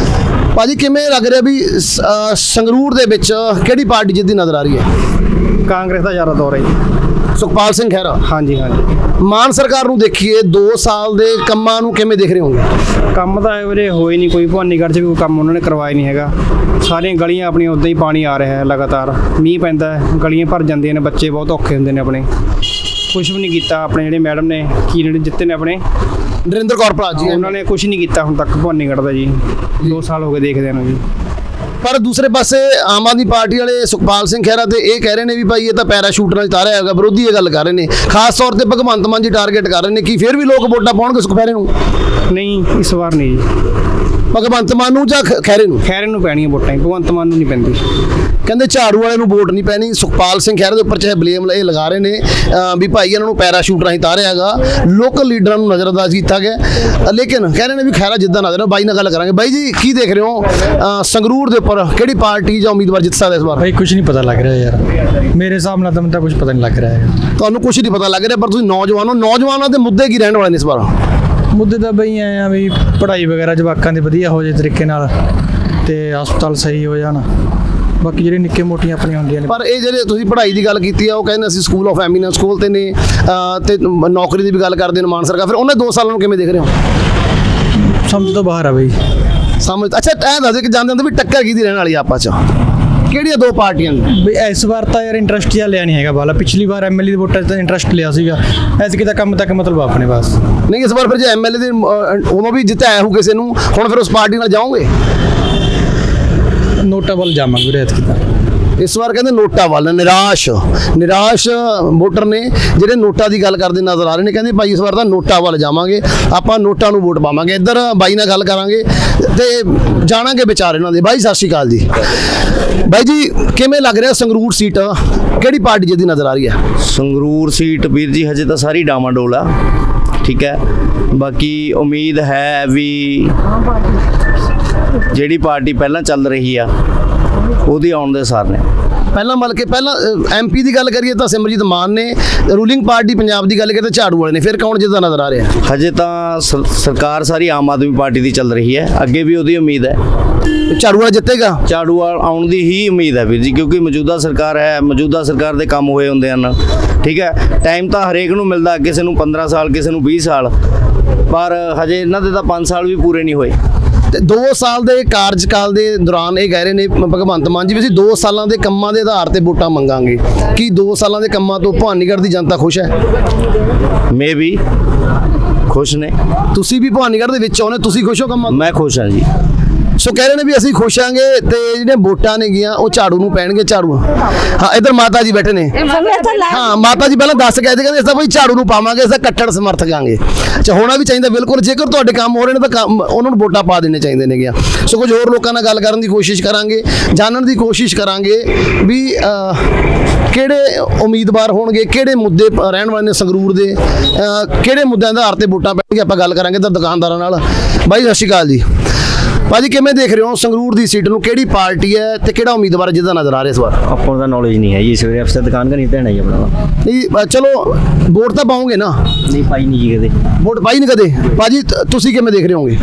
A: ਭਾਜੀ ਕਿਵੇਂ ਲੱਗ ਰਿਹਾ ਵੀ ਸ- ਅ, ਸੰਗਰੂਰ ਦੇ ਵਿੱਚ ਕਿਹੜੀ ਪਾਰਟੀ ਜਿੱਦੀ ਨਜ਼ਰ ਆ ਰਹੀ ਹੈ?
E: ਕਾਂਗਰਸ ਦਾ ਜ਼ਿਆਦਾ ਦੌਰ ਹੈ ਜੀ।
A: ਸੁਖਪਾਲ ਸਿੰਘ ਖਹਿਰਾ।
E: ਹਾਂਜੀ ਹਾਂਜੀ।
A: ਮਾਨ ਸਰਕਾਰ ਨੂੰ ਦੇਖੀਏ, ਦੋ ਸਾਲ ਦੇ ਕੰਮਾਂ ਨੂੰ ਕਿਵੇਂ ਦੇਖ ਰਹੇ ਹੋਗੇ?
E: ਕੰਮ ਤਾਂ ਵੀਰੇ ਹੋਏ ਨਹੀਂ ਕੋਈ, ਭਵਾਨੀਗੜ੍ਹ 'ਚ ਵੀ ਕੋਈ ਕੰਮ ਉਹਨਾਂ ਨੇ ਕਰਵਾਇਆ ਨਹੀਂ ਹੈਗਾ। ਸਾਰੀਆਂ ਗਲੀਆਂ ਆਪਣੀਆਂ ਉੱਦਾਂ ਹੀ ਪਾਣੀ ਆ ਰਿਹਾ ਹੈ ਲਗਾਤਾਰ। ਮੀਂਹ ਪੈਂਦਾ ਹੈ, ਗਲੀਆਂ ਭਰ ਜਾਂਦੀਆਂ ਨੇ, ਬੱਚੇ ਬਹੁਤ ਔਖੇ ਹੁੰਦੇ ਨੇ ਆਪਣੇ। ਕੁਛ ਵੀ ਨਹੀਂ ਕੀਤਾ ਆਪਣੇ ਜਿਹੜੇ ਮੈਡਮ ਨੇ, ਕੀ ਜਿਹੜੇ ਜਿੱਤੇ ਨੇ ਆਪਣੇ
A: ਨਰਿੰਦਰ ਕੌਰ ਭਰਾ ਜੀ,
E: ਉਹਨਾਂ ਨੇ ਕੁਛ ਨਹੀਂ ਕੀਤਾ ਹੁਣ ਤੱਕ ਭਵਾਨੀਗੜ੍ਹ ਦਾ ਜੀ। ਦੋ ਸਾਲ ਹੋ ਗਏ ਦੇਖਦੇ ਨੂੰ ਜੀ।
A: ਪਰ ਦੂਸਰੇ ਪਾਸੇ ਆਮ ਆਦਮੀ ਪਾਰਟੀ ਵਾਲੇ ਸੁਖਪਾਲ ਸਿੰਘ ਖਹਿਰਾ ਤੇ ਇਹ ਕਹਿ ਰਹੇ ਨੇ ਵੀ ਭਾਈ ਇਹ ਤਾਂ ਪੈਰਾਸ਼ੂਟ ਨਾਲ ਉਤਾਰਿਆ ਹੈਗਾ। ਵਿਰੋਧੀ ਇਹ ਗੱਲ ਕਰ ਰਹੇ ਨੇ, ਖਾਸ ਤੌਰ ਤੇ ਭਗਵੰਤ ਮਾਨ ਜੀ ਟਾਰਗੇਟ ਕਰ ਰਹੇ ਨੇ ਕਿ ਫਿਰ ਵੀ ਲੋਕ ਵੋਟਾਂ ਪਾਉਣਗੇ ਸੁਖਪਹਿਰੇ ਨੂੰ?
E: ਨਹੀਂ, ਇਸ ਵਾਰ ਨਹੀਂ ਜੀ।
A: ਭਗਵੰਤ ਮਾਨ ਨੂੰ ਜਾਂ ਖ- ਖਹਿਰੇ ਨੂੰ?
E: ਖੈਰੇ ਨੂੰ ਪੈਣੀਆਂ ਵੋਟਾਂ, ਭਗਵੰਤ ਮਾਨ ਨੂੰ ਨਹੀਂ ਪੈਂਦੀ।
A: ਕਹਿੰਦੇ ਝਾੜੂ ਵਾਲੇ ਨੂੰ ਵੋਟ ਨਹੀਂ ਪੈਣੀ। ਸੁਖਪਾਲ ਸਿੰਘ ਖਹਿਰਾ ਦੇ ਉੱਪਰ ਚਾਹੇ ਬਲੇਮ ਇਹ ਲਗਾ ਰਹੇ ਨੇ ਅ, ਵੀ ਭਾਈ ਇਹਨਾਂ ਨੂੰ ਪੈਰਾਸ਼ੂਟ ਰਾਹੀਂ ਤਾਰਿਆ ਹੈਗਾ, ਲੋਕਲ ਲੀਡਰਾਂ ਨੂੰ ਨਜ਼ਰਅੰਦਾਜ਼ ਕੀਤਾ ਗਿਆ। ਅ, ਲੇਕਿਨ ਕਹਿ ਰਹੇ ਨੇ ਵੀ ਖਹਿਰਾ ਜਿੱਦਾਂ ਨਜ਼ਰ ਆ। ਬਾਈ ਨਾਲ ਗੱਲ ਕਰਾਂਗੇ। ਬਾਈ ਜੀ ਕੀ ਦੇਖ ਰਹੇ ਹੋ ਅ, ਸੰਗਰੂਰ ਦੇ ਉੱਪਰ ਕਿਹੜੀ ਪਾਰਟੀ ਜਾਂ ਉਮੀਦਵਾਰ ਜਿੱਤ ਸਕਦਾ ਇਸ ਵਾਰ?
E: ਭਾਈ ਕੁਝ ਨਹੀਂ ਪਤਾ ਲੱਗ ਰਿਹਾ ਯਾਰ, ਮੇਰੇ ਹਿਸਾਬ ਨਾਲ ਤਾਂ ਮੈਨੂੰ ਤਾਂ ਕੁਝ ਪਤਾ ਨਹੀਂ ਲੱਗ ਰਿਹਾ ਹੈਗਾ।
A: ਤੁਹਾਨੂੰ ਕੁਝ ਨਹੀਂ ਪਤਾ ਲੱਗ ਰਿਹਾ, ਪਰ ਤੁਸੀਂ ਨੌਜਵਾਨ ਹੋ, ਨੌਜਵਾਨਾਂ ਦੇ ਮੁੱਦੇ ਕੀ ਰਹਿਣ ਵਾਲੇ ਨੇ ਇਸ ਵਾਰ?
E: ਮੁੱਦੇ ਤਾਂ ਬਈ ਐਂ ਆ ਵੀ ਪੜ੍ਹਾਈ ਵਗੈਰਾ ਜਵਾਕਾਂ ਦੀ ਵਧੀਆ ਹੋ ਜੇ ਤਰੀਕੇ ਨਾਲ, ਤੇ ਹਸਪਤਾਲ ਸਹੀ ਹੋ ਜਾਣ। ਬਾਕੀ ਜਿਹੜੇ ਨਿੱਕੇ ਮੋਟੀਆਂ ਆਪਣੀਆਂ ਹੁੰਦੀਆਂ ਨੇ।
A: ਪਰ ਇਹ ਜਿਹੜੇ ਤੁਸੀਂ ਪੜ੍ਹਾਈ ਦੀ ਗੱਲ ਕੀਤੀ ਆ, ਉਹ ਕਹਿੰਦੇ ਅਸੀਂ ਸਕੂਲ ਆਫ ਐਮੀਨੈਂਸ ਸਕੂਲ ਤੇ ਨੇ ਅ, ਤੇ ਨੌਕਰੀ ਦੀ ਵੀ ਗੱਲ ਕਰਦੇ ਨੇ ਮਾਨ ਸਰਕਾਰ। ਫਿਰ ਉਹਨੇ ਦੋ ਸਾਲਾਂ ਨੂੰ ਕਿਵੇਂ ਦੇਖ ਰਹੇ ਹੋ?
E: ਸਮਝ ਤੋਂ ਬਾਹਰ ਆ ਬਈ।
A: ਸਮਝ। ਅੱਛਾ ਐਂ ਦੱਸ ਦੇ ਕਿ ਜਾਂਦੇ ਹੁੰਦੇ ਵੀ ਟੱਕਰ ਕਿਹਦੀ ਰਹਿਣ ਵਾਲੀ ਆ ਆਪਸ ਚ? ਕਿਹੜੀਆਂ ਦੋ ਪਾਰਟੀਆਂ ਨੇ?
E: ਵੀ ਇਸ ਵਾਰ ਤਾਂ ਯਾਰ ਇੰਟਰਸਟ ਜਿਹਾ ਲਿਆ ਨਹੀਂ ਹੈਗਾ ਵਾਲਾ, ਪਿਛਲੀ ਵਾਰ ਐਮਐਲਏ ਦੇ ਵੋਟਾਂ 'ਚ ਤਾਂ ਇੰਟਰਸਟ ਲਿਆ ਸੀਗਾ, ਐਤਕੀ ਤਾਂ ਕੰਮ ਤੱਕ ਮਤਲਬ ਆਪਣੇ ਬਸ।
A: ਨਹੀਂ ਇਸ ਵਾਰ ਫਿਰ ਜੇ ਐਮਐਲਏ ਦੇ ਅਹ, ਉਦੋਂ ਵੀ ਜਿੱਤਿਆ ਹੋ ਕਿਸੇ ਨੂੰ, ਹੁਣ ਫਿਰ ਉਸ ਪਾਰਟੀ ਨਾਲ ਜਾਓਗੇ?
E: ਨੋਟਾਂ ਵੱਲ ਜਾਵਾਂਗੇ ਵੀਰੇ ਐਤਕੀ ਤਾਂ।
A: ਇਸ ਵਾਰ ਕਹਿੰਦੇ ਨੋਟਾਂ ਵੱਲ, ਨਿਰਾਸ਼ ਨਿਰਾਸ਼ ਵੋਟਰ ਨੇ ਜਿਹੜੇ ਨੋਟਾਂ ਦੀ ਗੱਲ ਕਰਦੇ ਨਜ਼ਰ ਆ ਰਹੇ ਨੇ। ਕਹਿੰਦੇ ਭਾਈ ਇਸ ਵਾਰ ਤਾਂ ਨੋਟਾਂ ਵੱਲ ਜਾਵਾਂਗੇ, ਆਪਾਂ ਨੋਟਾਂ ਨੂੰ ਵੋਟ ਪਾਵਾਂਗੇ। ਇੱਧਰ ਬਾਈ ਨਾਲ ਗੱਲ ਕਰਾਂਗੇ ਤੇ ਜਾਣਾਂਗੇ ਵਿਚਾਰ ਇਹਨਾਂ ਦੇ। ਬਾਈ ਸਤਿ ਸ਼੍ਰੀ ਅਕਾਲ ਜੀ। ਬਾਈ ਜੀ ਕਿਵੇਂ ਲੱਗ ਰਿਹਾ ਸੰਗਰੂਰ ਸੀਟ ਕਿਹੜੀ ਪਾਰਟੀ ਜਿਹਦੀ ਨਜ਼ਰ ਆ ਰਹੀ ਹੈ?
M: ਸੰਗਰੂਰ ਸੀਟ ਵੀਰ ਜੀ ਹਜੇ ਤਾਂ ਸਾਰੀ ਡਾਮਾਡੋਲ ਆ, ਠੀਕ ਹੈ। ਬਾਕੀ ਉਮੀਦ ਹੈ ਵੀ ਜਿਹੜੀ ਪਾਰਟੀ ਪਹਿਲਾਂ ਚੱਲ ਰਹੀ ਆ ਉਹਦੀ ਆਉਣ ਦੇ ਸਾਰ ਨੇ।
A: ਪਹਿਲਾਂ ਮਤਲਬ ਕਿ ਪਹਿਲਾਂ ਐਮਪੀ ਦੀ ਗੱਲ ਕਰੀਏ ਤਾਂ ਸਿਮਰਜੀਤ ਮਾਨ ਨੇ, ਰੂਲਿੰਗ ਪਾਰਟੀ ਪੰਜਾਬ ਦੀ ਗੱਲ ਕਰੀਏ ਤਾਂ ਝਾੜੂ ਵਾਲੇ ਨੇ, ਫਿਰ ਕੌਣ ਜਿੱਤਦਾ ਨਜ਼ਰ ਆ ਰਿਹਾ?
M: ਹਜੇ ਤਾਂ ਸਰ- ਸਰਕਾਰ ਸਾਰੀ ਆਮ ਆਦਮੀ ਪਾਰਟੀ ਦੀ ਚੱਲ ਰਹੀ ਹੈ, ਅੱਗੇ ਵੀ ਉਹਦੀ ਉਮੀਦ ਹੈ।
A: ਝਾੜੂ ਵਾਲਾ ਜਿੱਤੇਗਾ?
M: ਝਾੜੂ ਵਾਲ ਆਉਣ ਦੀ ਹੀ ਉਮੀਦ ਹੈ ਵੀਰ ਜੀ, ਕਿਉਂਕਿ ਮੌਜੂਦਾ ਸਰਕਾਰ ਹੈ, ਮੌਜੂਦਾ ਸਰਕਾਰ ਦੇ ਕੰਮ ਹੋਏ ਹੁੰਦੇ ਹਨ, ਠੀਕ ਹੈ। ਟਾਈਮ ਤਾਂ ਹਰੇਕ ਨੂੰ ਮਿਲਦਾ, ਕਿਸੇ ਨੂੰ ਪੰਦਰਾਂ ਸਾਲ, ਕਿਸੇ ਨੂੰ ਵੀਹ ਸਾਲ, ਪਰ ਹਜੇ ਇਹਨਾਂ ਦੇ ਤਾਂ ਪੰਜ ਸਾਲ ਵੀ ਪੂਰੇ ਨਹੀਂ ਹੋਏ।
A: ਤੇ ਦੋ ਸਾਲ ਦੇ ਕਾਰਜਕਾਲ ਦੇ ਦੌਰਾਨ ਇਹ ਕਹਿ ਰਹੇ ਨੇ ਭਗਵੰਤ ਮਾਨ ਜੀ ਵੀ ਅਸੀਂ ਦੋ ਸਾਲਾਂ ਦੇ ਕੰਮਾਂ ਦੇ ਆਧਾਰ ਤੇ ਵੋਟਾਂ ਮੰਗਾਂਗੇ। ਕੀ ਦੋ ਸਾਲਾਂ ਦੇ ਕੰਮਾਂ ਤੋਂ ਭਵਾਨੀਗੜ੍ਹ ਦੀ ਜਨਤਾ ਖੁਸ਼ ਹੈ?
M: ਮੇ ਵੀ ਖੁਸ਼ ਨੇ।
A: ਤੁਸੀਂ ਵੀ ਭਵਾਨੀਗੜ੍ਹ ਦੇ ਵਿੱਚ ਆਉਨੇ, ਤੁਸੀਂ ਖੁਸ਼ ਹੋ ਕੰਮਾਂ ਤੋਂ?
M: ਮੈਂ ਖੁਸ਼ ਹਾਂ ਜੀ।
A: ਸੋ ਕਹਿ ਰਹੇ ਨੇ ਵੀ ਅਸੀਂ ਖੁਸ਼ ਆਂਗੇ ਤੇ ਜਿਹੜੀਆਂ ਵੋਟਾਂ ਨੇ ਗੀਆਂ ਉਹ ਝਾੜੂ ਨੂੰ ਪੈਣਗੇ। ਝਾੜੂ, ਹਾਂ ਇੱਧਰ ਮਾਤਾ ਜੀ ਬੈਠੇ ਨੇ। ਹਾਂ ਮਾਤਾ ਜੀ ਪਹਿਲਾਂ ਦੱਸ ਗਏ ਸੀ, ਕਹਿੰਦੇ ਅਸੀਂ ਬਈ ਝਾੜੂ ਨੂੰ ਪਾਵਾਂਗੇ, ਅਸੀਂ ਕੱਟੜ ਸਮਰਥਕ ਆਂਗੇ। ਅੱਛਾ ਹੋਣਾ ਵੀ ਚਾਹੀਦਾ ਬਿਲਕੁਲ, ਜੇਕਰ ਤੁਹਾਡੇ ਕੰਮ ਹੋ ਰਹੇ ਨੇ ਤਾਂ ਕੰਮ ਉਹਨਾਂ ਨੂੰ ਵੋਟਾਂ ਪਾ ਦੇਣੇ ਚਾਹੀਦੇ ਨੇ ਗਿਆ। ਸੋ ਕੁਝ ਹੋਰ ਲੋਕਾਂ ਨਾਲ ਗੱਲ ਕਰਨ ਦੀ ਕੋਸ਼ਿਸ਼ ਕਰਾਂਗੇ, ਜਾਣਨ ਦੀ ਕੋਸ਼ਿਸ਼ ਕਰਾਂਗੇ ਵੀ ਕਿਹੜੇ ਉਮੀਦਵਾਰ ਹੋਣਗੇ, ਕਿਹੜੇ ਮੁੱਦੇ ਰਹਿਣ ਵਾਲੇ ਨੇ ਸੰਗਰੂਰ ਦੇ, ਕਿਹੜੇ ਮੁੱਦਿਆਂ ਦੇ ਆਧਾਰ ਤੇ ਵੋਟਾਂ ਪੈਣਗੇ। ਆਪਾਂ ਗੱਲ ਕਰਾਂਗੇ ਤਾਂ ਦੁਕਾਨਦਾਰਾਂ ਨਾਲ। ਬਾਈ ਸਤਿ ਸ਼੍ਰੀ ਅਕਾਲ ਜੀ। ਭਾਜੀ ਕਿਵੇਂ ਦੇਖ ਰਹੇ ਹੋ ਸੰਗਰੂਰ ਦੀ ਸੀਟ ਨੂੰ, ਕਿਹੜੀ ਪਾਰਟੀ ਹੈ ਤੇ ਕਿਹੜਾ ਉਮੀਦਵਾਰ ਜਿਹਦਾ ਨਜ਼ਰ ਆ ਰਿਹਾ ਇਸ ਵਾਰ?
M: ਆਪਾਂ ਨੂੰ ਤਾਂ ਨੌਲੇਜ ਨਹੀਂ ਹੈ ਜੀ, ਸਵੇਰੇ ਅਫਸਰ ਦੁਕਾਨ ਘਰ ਨਹੀਂ ਧਿਆਨ ਹੈ ਜੀ ਆਪਣਾ।
A: ਨਹੀਂ ਅ, ਚਲੋ ਵੋਟ ਤਾਂ ਪਾਉਂਗੇ ਨਾ?
M: ਨਹੀਂ ਪਾਈ ਨਹੀਂ ਜੀ ਕਦੇ।
A: ਵੋਟ ਪਾਈ ਨਹੀਂ ਕਦੇ? ਭਾਜੀ ਤ- ਤੁਸੀਂ ਕਿਵੇਂ ਦੇਖ ਰਹੇ ਹੋਗੇ?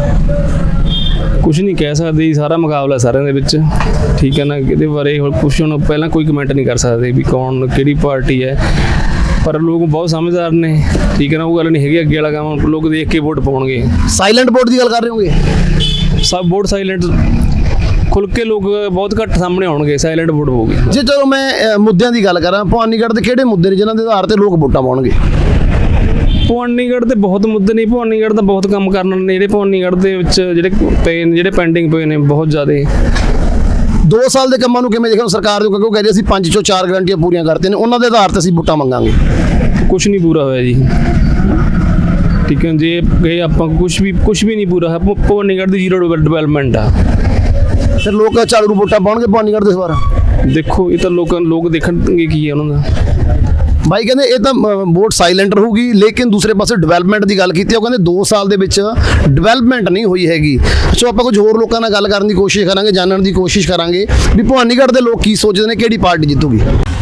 B: ਕੁਝ ਨਹੀਂ ਕਹਿ ਸਕਦੇ ਜੀ, ਸਾਰਾ ਮੁਕਾਬਲਾ ਸਾਰਿਆਂ ਦੇ ਵਿੱਚ, ਠੀਕ ਹੈ ਨਾ। ਇਹਦੇ ਬਾਰੇ ਹੁਣ ਕੁਛ ਹੁਣ ਪਹਿਲਾਂ ਕੋਈ ਕਮੈਂਟ ਨਹੀਂ ਕਰ ਸਕਦੇ ਵੀ ਕੌਣ ਕਿਹੜੀ ਪਾਰਟੀ ਹੈ, ਪਰ ਲੋਕ ਬਹੁਤ ਸਮਝਦਾਰ ਨੇ, ਠੀਕ ਹੈ ਨਾ। ਉਹ ਗੱਲ ਨਹੀਂ ਹੈਗੀ ਅੱਗੇ ਵਾਲਾ ਕੰਮ, ਲੋਕ ਦੇਖ ਕੇ ਵੋਟ ਪਾਉਣਗੇ।
A: ਸਾਇਲੈਂਟ ਵੋਟ ਦੀ ਗੱਲ ਕਰ ਰਹੇ ਹੋਗੇ?
B: ਸਭ ਵੋਟ ਸਾਇਲੈਂਟ, ਖੁੱਲ ਕੇ ਲੋਕ ਬਹੁਤ ਘੱਟ ਸਾਹਮਣੇ ਆਉਣਗੇ, ਸਾਇਲੈਂਟ ਵੋਟ ਹੋਊਗੀ।
A: ਜੇ ਚਲੋ ਮੈਂ ਅ, ਮੁੱਦਿਆਂ ਦੀ ਗੱਲ ਕਰਾਂ, ਭਵਾਨੀਗੜ੍ਹ ਦੇ ਕਿਹੜੇ ਮੁੱਦੇ ਨੇ ਜਿਨ੍ਹਾਂ ਦੇ ਆਧਾਰ ਤੇ ਲੋਕ ਵੋਟਾਂ ਪਾਉਣਗੇ?
B: ਭਵਾਨੀਗੜ੍ਹ ਤੇ ਬਹੁਤ ਮੁੱਦੇ ਨਹੀਂ, ਭਵਾਨੀਗੜ੍ਹ ਦਾ ਬਹੁਤ ਕੰਮ ਕਰਨ ਨੇ ਜਿਹੜੇ ਭਵਾਨੀਗੜ੍ਹ ਦੇ ਵਿੱਚ ਜਿਹੜੇ ਪਏ ਨੇ, ਜਿਹੜੇ ਪੈਂਡਿੰਗ ਪਏ ਨੇ ਬਹੁਤ ਜ਼ਿਆਦਾ।
A: ਦੋ ਸਾਲ ਦੇ ਕੰਮਾਂ ਨੂੰ ਕਿਵੇਂ ਦੇਖੋ ਸਰਕਾਰ ਦੇ, ਕਿਉਂਕਿ ਉਹ ਕਹਿੰਦੇ ਅਸੀਂ ਪੰਜ ਚੋਂ ਚਾਰ ਗਰੰਟੀਆਂ ਪੂਰੀਆਂ ਕਰਤੀਆਂ ਨੇ, ਉਹਨਾਂ ਦੇ ਆਧਾਰ ਤੇ ਅਸੀਂ ਵੋਟਾਂ ਮੰਗਾਂਗੇ।
B: ਕੁਝ ਨਹੀਂ ਪੂਰਾ ਹੋਇਆ ਜੀ, ਠੀਕ ਹੈ। ਜੇ ਗਏ ਆਪਾਂ ਕੁਝ ਵੀ ਕੁਝ ਵੀ ਨਹੀਂ ਪੂਰਾ ਹੈ, ਭਵਾਨੀਗੜ੍ਹ ਦੀ ਜ਼ੀਰੋ ਡਿਵੈਲਪਮੈਂਟ ਆ।
A: ਫਿਰ ਲੋਕ ਝਾੜੂ ਨੂੰ ਵੋਟਾਂ ਪਾਉਣਗੇ ਭਵਾਨੀਗੜ੍ਹ ਦੇ ਇਸ ਵਾਰ?
B: ਦੇਖੋ ਇਹ ਤਾਂ ਲੋਕਾਂ ਲੋਕ ਦੇਖਣਗੇ ਕੀ ਹੈ ਉਹਨਾਂ ਦਾ।
A: ਬਾਈ ਕਹਿੰਦੇ ਇਹ ਤਾਂ ਵੋਟ ਸਾਇਲੈਂਟ ਰਹੂਗੀ, ਲੇਕਿਨ ਦੂਸਰੇ ਪਾਸੇ ਡਿਵੈਲਪਮੈਂਟ ਦੀ ਗੱਲ ਕੀਤੀ, ਉਹ ਕਹਿੰਦੇ ਦੋ ਸਾਲ ਦੇ ਵਿੱਚ ਡਿਵੈਲਪਮੈਂਟ ਨਹੀਂ ਹੋਈ ਹੈਗੀ। ਸੋ ਆਪਾਂ ਕੁਝ ਹੋਰ ਲੋਕਾਂ ਨਾਲ ਗੱਲ ਕਰਨ ਦੀ ਕੋਸ਼ਿਸ਼ ਕਰਾਂਗੇ, ਜਾਣਨ ਦੀ ਕੋਸ਼ਿਸ਼ ਕਰਾਂਗੇ ਵੀ ਭਵਾਨੀਗੜ੍ਹ ਦੇ ਲੋਕ ਕੀ ਸੋਚਦੇ ਨੇ, ਕਿਹੜੀ ਪਾਰਟੀ ਜਿੱਤੂਗੀ।